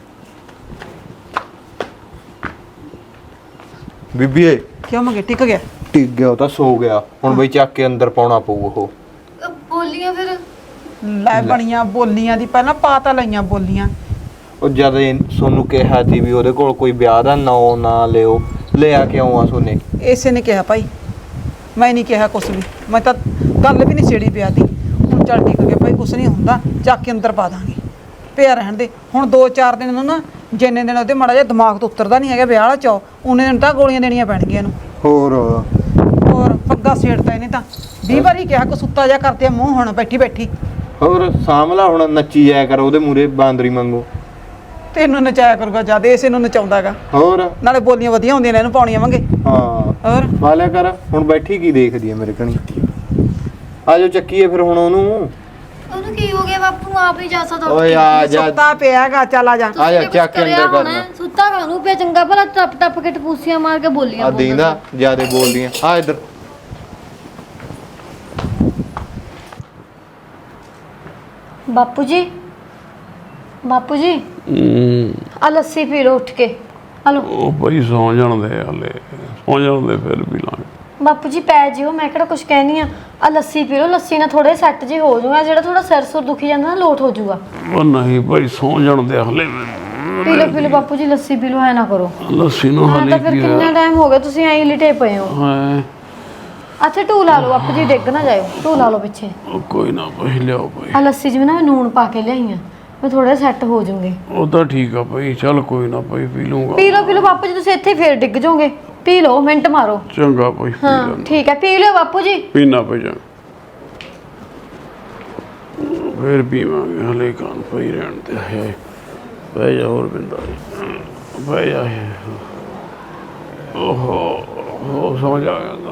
A: ਬੀਬੀਏ।
C: ਕਿਉਂ ਮੰਗੇ ਟਿਕ ਗਿਆ?
A: ਟਿਕ ਗਿਆ, ਉਹ ਤਾਂ ਸੋ ਗਿਆ। ਹੁਣ ਬਈ ਚੱਕ ਕੇ ਅੰਦਰ ਪਾਉਣਾ ਪਊ ਉਹ।
B: ਬੋਲੀਆਂ ਫਿਰ
C: ਲੈ ਬਣੀਆਂ ਬੋਲੀਆਂ ਦੀ ਪਹਿਲਾਂ ਪਾ ਤਾਂ ਲਈਆਂ ਬੋਲੀਆਂ।
A: ਉਹ ਜਦ ਸੋਨੂੰ ਕਿਹਾ ਸੀ ਵੀ ਉਹਦੇ ਕੋਲ ਕੋਈ ਵਿਆਹ ਦਾ ਨਾਂ ਨਾ ਲਿਓ, ਲਿਆ ਕਿਉਂ ਆ ਸੋਨੇ?
C: ਇਸੇ ਨੇ ਕਿਹਾ ਭਾਈ, ਮੈਂ ਨਹੀਂ ਕਿਹਾ ਕੁਛ ਵੀ। ਮੈਂ ਤਾਂ ਗੱਲ ਵੀ ਨਹੀਂ ਛੇੜੀ ਪਿਆ ਤੀ। ਹੁਣ ਚੱਲ ਟਿਕ ਗਿਆ ਭਾਈ, ਕੁਛ ਨਹੀਂ ਹੁੰਦਾ, ਚੱਕ ਕੇ ਅੰਦਰ ਪਾ ਦਾਂਗੇ, ਪਿਆ ਰਹਿਣ ਦੇ। ਹੁਣ 2-4 ਦਿਨ ਨੂੰ ਨਾ, ਜਿੰਨੇ ਦਿਨ ਉਹਦੇ ਮਾੜਾ ਜਿਹਾ ਦਿਮਾਗ ਤੋਂ ਉਤਰਦਾ ਨਹੀਂ ਹੈਗਾ ਵਿਆਹ ਵਾਲਾ ਚਾਅ, ਉਹਨੇ ਦਿਨ ਤਾਂ ਗੋਲੀਆਂ ਦੇਣੀਆਂ ਪੈਣਗੀਆਂ ਇਹਨੂੰ। ਹੋਰ ਪੱਗਾ ਸੇੜਦਾ ਇਹਨੇ ਤਾਂ। 20 ਵਾਰੀ ਕਿਹਾ ਕੋ ਸੁੱਤਾ ਜਾ ਕਰਦੇ ਮੂੰਹ ਹੁਣ ਬੈਠੀ ਬੈਠੀ।
A: ਹੋਰ ਸਾਂਭਲਾ, ਹੁਣ ਨੱਚੀ ਜਾਇਆ ਕਰ ਉਹਦੇ ਮੂਰੇ ਬਾਂਦਰੀ ਵਾਂਗੂ।
C: ਤੈਨੂੰ ਨਚਾਇਆ ਕਰੂਗਾ ਜਦ ਇਸੇ ਨੂੰ ਨਚਾਉਂਦਾਗਾ।
A: ਹੋਰ
C: ਨਾਲੇ ਬੋਲੀਆਂ ਵਧੀਆ ਹੁੰਦੀਆਂ ਨੇ, ਇਹਨੂੰ ਪਾਉਣੀਆਂ ਵਾਂਗੇ।
A: ਹਾਂ
C: ਹੋਰ
A: ਵਾਲਿਆ ਕਰ। ਹੁਣ ਬੈਠੀ ਕੀ ਦੇਖਦੀ ਆ ਮੇਰੇ ਕਣੀ? ਆ ਜਾਓ ਚੱਕੀਏ ਫਿਰ ਹੁਣ ਉਹਨੂੰ।
B: ਉਹਨੂੰ ਕੀ ਹੋ ਗਿਆ ਬਾਪੂ, ਆਪ ਹੀ ਜਾ ਸਕਦਾ।
A: ਓਏ ਆ ਜਾ,
C: ਸੁੱਤਾ ਪਿਆਗਾ, ਚੱਲ ਆ ਜਾ।
A: ਆ ਜਾ ਚੱਕ ਕੇ ਅੰਦਰ ਕਰਨਾ।
B: ਸੁੱਤਾ ਕਾਹਨੂੰ ਪਿਆ, ਚੰਗਾ ਭਲਾ ਟੱਪ ਟੱਪ ਕੇ ਟਪੂਸੀਆਂ ਮਾਰ ਕੇ ਬੋਲੀਆਂ
A: ਆ ਦੀਂਦਾ ਜਿਆਦੇ ਬੋਲਦੀਆਂ। ਆ ਇੱਧਰ।
B: ਬਾਪੂ ਜੀ, ਬਾਪੂ ਜੀ ਆ ਲੱਸੀ ਪੀ ਲਓ ਉੱਠ ਕੇ। ਹਲੋ
D: ਉਹ ਭਾਈ ਸੌਂ ਜਾਣਦੇ ਹਲੇ, ਸੌਂ ਜਾਣਦੇ ਫਿਰ ਵੀ ਲਾਂਗੇ।
B: ਬਾਪੂ ਜੀ ਪੈ ਜਿਓ, ਮੈਂ ਕਿਹੜਾ ਕੁਝ ਕਹਿਨੀ ਆ ਲੱਸੀ ਪੀ ਲਓ, ਲੱਸੀ ਨਾਲ ਥੋੜੇ ਸੈੱਟ ਜੇ ਹੋ ਜਾਊਗਾ। ਜਿਹੜਾ ਥੋੜਾ ਸਿਰ ਸੁਰ ਦੁਖੀ ਜਾਂਦਾ ਨਾ, ਲੋਟ ਹੋ ਜਾਊਗਾ।
D: ਉਹ ਨਹੀਂ ਭਾਈ ਸੌਂ ਜਾਣਦੇ ਹਲੇ।
B: ਪੀ ਲਓ ਬਾਪੂ ਜੀ, ਲੱਸੀ ਪੀ ਲਓ, ਐ ਨਾ ਕਰੋ।
D: ਲੱਸੀ ਨੂੰ
B: ਹਾਂ
D: ਹਲੇ
B: ਤਾਂ ਫਿਰ
D: ਕੀ
B: ਕਿੰਨਾ ਟਾਈਮ ਹੋ ਗਿਆ, ਤੁਸੀਂ ਐਂ ਲਿਟੇ ਪਏ ਹੋ।
D: ਹੈ?
B: ਅੱਛਾ ਢੂ ਲਾ ਲਓ ਬਾਪੂ ਜੀ, ਡਿੱਗ ਨਾ ਜਾਇਓ, ਢੂ ਲਾ ਲਓ ਪਿੱਛੇ।
D: ਉਹ ਕੋਈ ਨਾ ਭਾਈ, ਲਿਆਓ ਭਾਈ।
B: ਆ ਲੱਸੀ ਜਿਵੇਂ ਨਾ ਮੈਂ ਨੂਣ ਪਾ ਕੇ ਲਿਆਈ ਆ, ਮੈਂ ਥੋੜਾ ਸੈੱਟ ਹੋ ਜਾਊਂਗੇ।
D: ਉਹ ਤਾਂ ਠੀਕ ਆ ਭਾਈ, ਚੱਲ ਕੋਈ ਨਾ ਭਾਈ, ਪੀ ਲੂੰਗਾ।
B: ਪੀ ਲਓ ਬਾਪੂ ਜੀ, ਤੁਸੀਂ ਇੱਥੇ ਫੇਰ ਡਿੱਗ ਜਾਓਗੇ। ਪੀ ਲਓ, ਮਿੰਟ ਮਾਰੋ।
D: ਚੰਗਾ ਭਾਈ, ਪੀ
B: ਹਾਂ
D: ਲੈਂਦਾ।
B: ਠੀਕ ਹੈ, ਪੀ ਲਿਓ ਬਾਪੂ ਜੀ।
D: ਪੀਣਾ ਭਾਈ ਜਾ, ਫਿਰ ਪੀਵਾਂਗੇ, ਹਲੇ ਕਾਨ ਪਈ ਰਹਿਣ ਤੇ ਹੈ। ਬਹਿ ਜਾ ਹੋਰ ਬਿੰਦਾ, ਬਹਿ ਜਾ। ਓਹੋ ਸਮਝ ਆ ਗਿਆ।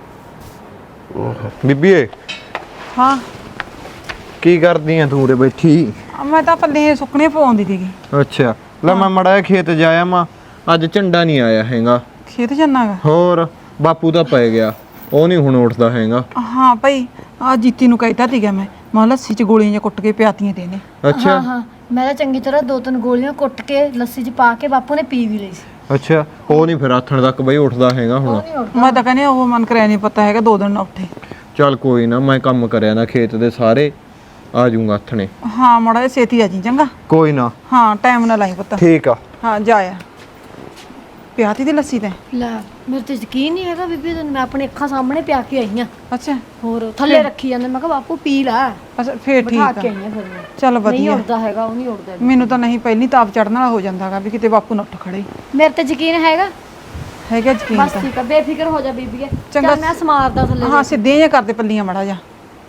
A: ਬੀਬੀਏ
C: ਹਾਂ
A: ਕੀ ਕਰਦੀ ਆ ਤੂੰ ਉਰੇ ਬੈਠੀ?
C: ਮੈਂ ਤਾਂ ਪੱਲੇ ਸੁੱਕਣੇ ਪਾਉਂਦੀ ਸੀਗੀ।
A: ਅੱਛਾ ਲੈ ਮੈਂ ਮੜਾ ਜਿਹਾ ਖੇਤ ਜਾਇਆ ਮਾ, ਅੱਜ ਝੰਡਾ ਨਹੀਂ ਆਇਆ ਹੈਗਾ।
C: ਖੇਤ ਜਾਣਾਗਾ?
A: ਹੋਰ ਬਾਪੂ ਤਾਂ ਪੈ ਗਿਆ, ਉਹ ਨਹੀਂ ਹੁਣ ਉੱਠਦਾ ਹੈਗਾ।
C: ਹਾਂ ਭਾਈ, ਆ ਜੀਤੀ ਨੂੰ ਕਹਿਤਾ ਸੀਗਾ ਮੈਂ ਲੱਸੀ 'ਚ ਗੋਲੀਆਂ ਜਿਹੀਆਂ ਕੁੱਟ ਕੇ ਪਿਆਤੀਆਂ ਤੇ ਇਹਨੇ।
A: ਅੱਛਾ
B: ਹਾਂ ਮੈਂ ਤਾਂ ਚੰਗੀ ਤਰ੍ਹਾਂ 2-3 ਗੋਲੀਆਂ ਕੁੱਟ ਕੇ ਲੱਸੀ 'ਚ ਪਾ ਕੇ ਬਾਪੂ ਨੇ ਪੀ ਵੀ ਲਈ ਸੀ।
A: ਅੱਛਾ ਉਹ ਨਹੀਂ ਫਿਰ ਆਥਣ ਤੱਕ ਬਈ ਉੱਠਦਾ ਹੈਗਾ ਹੁਣ।
C: ਮੈਂ ਤਾਂ ਕਹਿੰਦੀ ਉਹ ਮਨ ਕਰਿਆ ਨਹੀਂ ਪਤਾ ਹੈਗਾ 2 ਦਿਨ ਨਾ ਉੱਠੇ।
A: ਚੱਲ ਕੋਈ ਨਾ, ਮੈਂ ਕੰਮ ਕਰਿਆ ਨਾ ਖੇਤ ਦੇ ਸਾਰੇ, ਆ ਜਾਊਂਗਾ ਆਥਣੇ।
C: ਹਾਂ ਮਾੜਾ ਜਿਹਾ ਛੇਤੀ ਆ ਜੀ ਚੰਗਾ।
A: ਕੋਈ ਨਾ।
C: ਹਾਂ ਟਾਈਮ ਨਾਲ ਲਾਈ ਪੁੱਤ।
A: ਠੀਕ ਆ।
C: ਹਾਂ ਜਾਇਆ ਪਿਆਤੀ ਦੀ ਲੱਸੀ ਤੇ।
B: ਲੈ ਮੇਰੇ ਤੇ ਯਕੀਨ ਨਹੀਂ ਹੈਗਾ ਬੀਬੀ, ਤੈਨੂੰ ਮੈਂ ਆਪਣੀ ਅੱਖਾਂ ਸਾਹਮਣੇ ਪਿਆ ਕੇ ਆਈ ਆ।
C: ਅੱਛਾ
B: ਹੋਰ ਥੱਲੇ ਰੱਖੀ ਜਾਂਦੇ, ਮੈਂ ਕਿਹਾ ਬਾਪੂ ਪੀ ਲੈ।
C: ਅੱਛਾ ਫੇਰ ਠੀਕ
B: ਬਿਠਾ
C: ਆ।
B: ਕੇ ਆਈ ਆ ਫਿਰ ਮੈਂ।
C: ਚੱਲ
B: ਨਹੀਂ
C: ਵਧੀਆ।
B: ਉੱਠਦਾ ਹੈਗਾ, ਉਹ ਨਹੀਂ ਉੱਠਦਾ।
C: ਮੈਨੂੰ ਤਾਂ ਨਹੀਂ ਪਹਿਲੀ ਤਾਪ ਚੜਨ ਵਾਲਾ ਹੋ ਜਾਂਦਾਗਾ ਵੀ ਕਿਤੇ ਬਾਪੂ ਨਾ ਉੱਠ ਖੜੇ।
B: ਮੇਰੇ ਤੇ ਯਕੀਨ ਹੈਗਾ।
C: ਹੈਗਾ ਯਕੀਨ
B: ਬਸ
C: ਤਾਂ।
B: ਠੀਕ ਆ, ਬੇਫਿਕਰ ਹੋ ਜਾ ਬੀਬੀਏ।
C: ਚੰਗਾ।
B: ਚੱਲ ਮੈਂ ਸਮਾਰਦਾ ਥੱਲੇ।
C: ਹਾਂ ਸਿੱਧੀਆਂ ਜਿਹੀਆਂ ਕਰਦੇ ਪੱਲੀਆਂ ਮਾੜਾ ਜਾ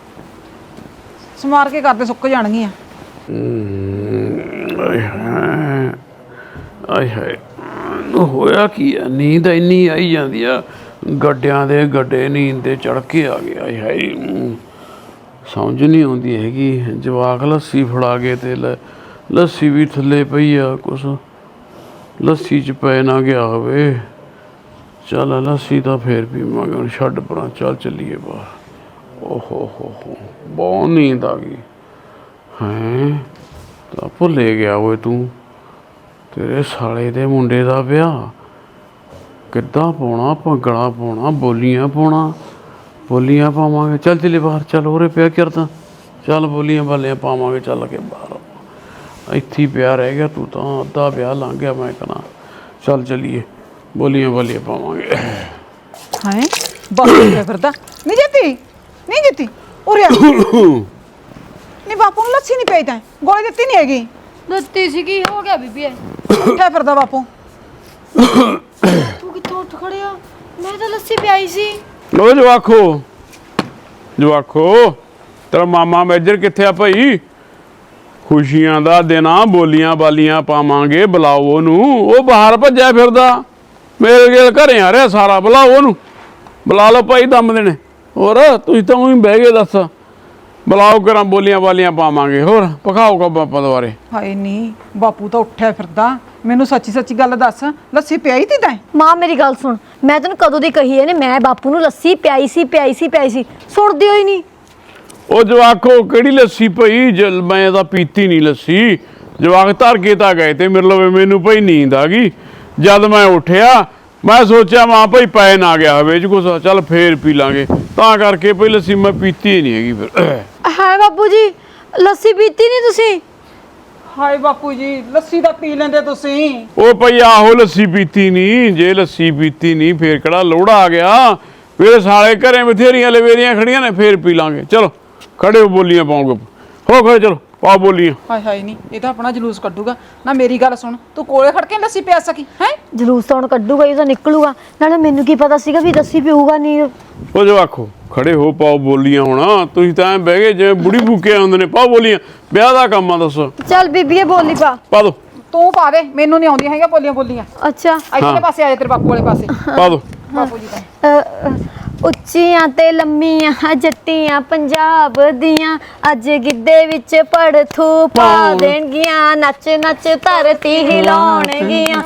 C: ਸਮਾਰ ਕੇ ਕਰਦੇ, ਸੁੱਕ ਜਾਣਗੀਆਂ।
D: ਆਏ ਹਾਏ ਆਏ ਹਾਏ, ਹੋਇਆ ਕੀ ਆ, ਨੀਂਦ ਇੰਨੀ ਆਈ ਜਾਂਦੀ ਆ, ਗੱਡਿਆਂ ਦੇ ਗੱਡੇ ਨੀਂਦ ਤੇ ਚੜ ਕੇ ਆ ਗਿਆ। ਆਏ ਹਾਏ, ਸਮਝ ਨਹੀਂ ਆਉਂਦੀ ਹੈਗੀ। ਜਵਾਕ ਲੱਸੀ ਫੜਾ ਕੇ ਤੇ ਲੱਸੀ ਵੀ ਥੱਲੇ ਪਈ ਆ, ਕੁਛ ਲੱਸੀ 'ਚ ਪੈ ਨਾ ਗਿਆ ਹੋਵੇ। ਚੱਲ ਲੱਸੀ ਤਾਂ ਫੇਰ ਪੀਵਾਂਗੇ, ਹੁਣ ਛੱਡ ਪਰਾਂ, ਚੱਲ ਚੱਲੀਏ ਬਾਹਰ। ਓਹੋ ਹੋ ਬਹੁਤ ਨੀਂਦ ਆ ਗਈ। ਹੈਂ, ਤਾਂ ਭੁੱਲੇ ਗਿਆ ਓਏ ਤੂੰ, ਤੇਰੇ ਸਾਲੇ ਦੇ ਮੁੰਡੇ ਦਾ ਵਿਆਹ ਕਿੱਦਾਂ ਪਾਉਣਾ? ਭੰਗੜਾ ਪਾਉਣਾ, ਬੋਲੀਆਂ ਪਾਉਣਾ, ਬੋਲੀਆਂ ਪਾਵਾਂਗੇ। ਚੱਲ ਚੱਲੇ ਬਾਹਰ, ਚੱਲ ਉਰੇ ਪਿਆ ਕਰਦਾ, ਚੱਲ ਬੋਲੀਆਂ ਬਾਲੀਆਂ ਪਾਵਾਂਗੇ, ਚੱਲ ਕੇ ਬਾਹਰ। ਇੱਥੇ ਹੀ ਪਿਆ ਰਹਿ ਗਿਆ ਤੂੰ ਤਾਂ, ਅੱਧਾ ਵਿਆਹ ਲੰਘ ਗਿਆ ਮੈਂ ਕਹਿੰਦਾ। ਚੱਲ ਚੱਲੀਏ, ਬੋਲੀਆਂ ਬਾਲੀਆਂ ਪਾਵਾਂਗੇ।
C: ਹਾਏ ਬਾਪੂ ਕਿੱਥੇ ਫਿਰਦਾ? ਨਹੀਂ ਜਿੱਤੀ ਉਰੇ ਆ। ਨਹੀਂ ਬਾਪੂ ਨੂੰ ਲੱਸੀ ਨਹੀਂ ਪਈ ਤੈਂ, ਗੋਲੀ ਦਿੱਤੀ ਨਹੀਂ ਹੈਗੀ।
B: ਦਿੱਤੀ ਸੀ, ਕੀ ਹੋ ਗਿਆ ਬੀਬੀ?
C: ਉੱਠਿਆ ਫਿਰਦਾ ਬਾਪੂ।
B: ਤੂੰ ਕਿੱਥੋਂ ਉੱਠ ਖੜਿਆ? ਮੈਂ ਤਾਂ ਲੱਸੀ ਪਿਆਈ ਸੀ।
D: ਲੋ ਜਵਾਖੋ ਤੇਰਾ ਮਾਮਾ ਮੇਜਰ ਕਿੱਥੇ ਆ ਭਾਈ? ਖੁਸ਼ੀਆਂ ਦਾ ਦਿਨ ਆ, ਬੋਲੀਆਂ ਬਾਲੀਆਂ ਪਾਵਾਂਗੇ, ਬੁਲਾਓ ਉਹਨੂੰ। ਉਹ ਬਾਹਰ ਭੱਜਿਆ ਫਿਰਦਾ, ਮੇਰੇ ਕੋਲ ਘਰੇ ਆ ਰਿਹਾ ਸਾਰਾ। ਬੁਲਾਓ ਉਹਨੂੰ, ਬੁਲਾ ਲਓ ਭਾਈ, ਦਮ ਦੇਣੇ। ਹੋਰ ਤੁਸੀਂ ਤਾਂ ਉਹੀ ਬਹਿ ਗਏ, ਦੱਸ। ਬੁਲਾਓ ਕਰਾਂ, ਬੋਲੀਆਂ ਬਾਲੀਆਂ ਪਾਵਾਂਗੇ। ਹੋਰ ਪਕਾਓਗਾ ਬਾਪਾ ਦੁਆਰੇ।
C: ਹਾਏ ਨਹੀਂ ਬਾਪੂ ਤਾਂ ਉੱਠਿਆ ਫਿਰਦਾ। ਮੈਨੂੰ ਸੱਚੀ ਗੱਲ ਦੱਸ, ਲੱਸੀ ਪਿਆਈ ਤੀ ਤੈਂ?
B: ਮਾਂ ਮੇਰੀ ਗੱਲ ਸੁਣ, ਮੈਂ ਤੈਨੂੰ ਕਦੋਂ ਦੀ ਕਹੀ ਇਹਨੇ, ਮੈਂ ਬਾਪੂ ਨੂੰ ਲੱਸੀ ਪਿਆਈ ਸੀ। ਸੁਣਦੀ ਹੋਈ ਨਹੀਂ।
D: ਉਹ ਜਵਾਕੋ ਕਿਹੜੀ ਲੱਸੀ ਭਾਈ? ਮੈਂ ਤਾਂ ਪੀਤੀ ਨਹੀਂ ਲੱਸੀ। ਜਵਾਕ ਧਰ ਕੇ ਤਾਂ ਗਏ ਤੇ ਮੇਰੇ ਲਵੇ, ਮੈਨੂੰ ਭਾਈ ਨੀਂਦ ਆ ਗਈ। ਜਦ ਮੈਂ ਉੱਠਿਆ ਮੈਂ ਸੋਚਿਆ ਮਾਂ ਭਾਈ ਪੈ ਨਾ ਗਿਆ ਹੋਵੇ ਕੁਛ, ਚੱਲ ਫੇਰ ਪੀ ਲਾਂਗੇ। ਤਾਂ ਕਰਕੇ ਭਾਈ ਲੱਸੀ ਮੈਂ ਪੀਤੀ ਨਹੀਂ ਹੈਗੀ। ਫਿਰ
B: ਹੈ ਬਾਪੂ ਜੀ, ਲੱਸੀ ਪੀਤੀ ਨਹੀਂ ਤੁਸੀਂ?
C: ਹਾਏ ਬਾਪੂ ਜੀ, ਲੱਸੀ ਤਾਂ ਪੀ ਲੈਂਦੇ ਤੁਸੀਂ।
D: ਉਹ ਭਾਈ ਆਹੋ ਲੱਸੀ ਪੀਤੀ ਨਹੀਂ। ਜੇ ਲੱਸੀ ਪੀਤੀ ਨਹੀਂ ਫੇਰ ਕਿਹੜਾ ਲੋੜਾ ਆ ਗਿਆ? ਮੇਰੇ ਸਾਲੇ ਘਰੇ ਬਥੇਰੀਆਂ ਲਵੇਰੀਆਂ ਖੜੀਆਂ ਨੇ, ਫੇਰ ਪੀ ਲਾਂਗੇ। ਚਲੋ ਖੜੇ ਹੋ, ਬੋਲੀਆਂ ਪਾਉਂਗੇ। ਹੋ ਖੜੇ, ਚਲੋ ਪਾਓ ਬੋਲੀਆਂ।
C: ਹਾਏ ਨਹੀਂ, ਇਹ ਤਾਂ ਆਪਣਾ ਜਲੂਸ ਕੱਢੂਗਾ ਨਾ। ਮੇਰੀ ਗੱਲ ਸੁਣ, ਤੂੰ ਕੋਲੇ ਖੜ ਕੇ ਲੱਸੀ ਪਿਆ ਸਕੀ ਹੈ?
B: ਜਲੂਸ ਤਾਂ ਹੁਣ ਕੱਢੂਗਾ ਹੀ, ਤਾਂ ਨਿਕਲੂਗਾ। ਨਾਲੇ ਮੈਨੂੰ ਕੀ ਪਤਾ ਸੀਗਾ ਵੀ ਲੱਸੀ ਪੀਊਗਾ ਨਹੀਂ।
D: ਉਹ ਜੋ ਆਖੋ ਖੜੇ ਹੋ, ਪਾਓ ਬੋਲੀਆਂ। ਹੁਣ ਤੁਸੀਂ ਤਾਂ ਐਂ ਬਹਿ ਗਏ ਜਿਵੇਂ ਬੁੜੀ ਬੂਕੇ ਆਉਂਦੇ ਨੇ। ਪਾਓ ਬੋਲੀਆਂ, ਵਿਆਹ ਦਾ ਕੰਮ ਆ, ਦੱਸੋ।
B: ਚੱਲ ਬੀਬੀਏ ਬੋਲੀ
D: ਪਾ ਦੋ।
C: ਤੂੰ ਪਾ ਦੇ, ਮੈਨੂੰ ਨਹੀਂ ਆਉਂਦੀਆਂ ਹੈਗੀਆਂ ਬੋਲੀਆਂ।
B: ਅੱਛਾ,
C: ਇੱਧਰਲੇ ਪਾਸੇ ਆ ਜਾ, ਤੇਰੇ ਬਾਪੂ ਵਾਲੇ ਪਾਸੇ।
D: ਪਾ ਦੋ।
C: ਬਾਪੂ ਜੀ ਤਾਂ
B: ਉੱਚੀਆਂ ਤੇ ਲੰਮੀਆਂ ਜੱਟੀਆਂ ਪੰਜਾਬ ਦੀਆਂ, ਅੱਜ ਗਿੱਧੇ ਵਿੱਚ ਪੜਥੂ ਪਾ ਦੇਣਗੀਆਂ। ਨੱਚ ਨੱਚ ਧਰਤੀ ਹਿਲਾਉਣਗੀਆਂ,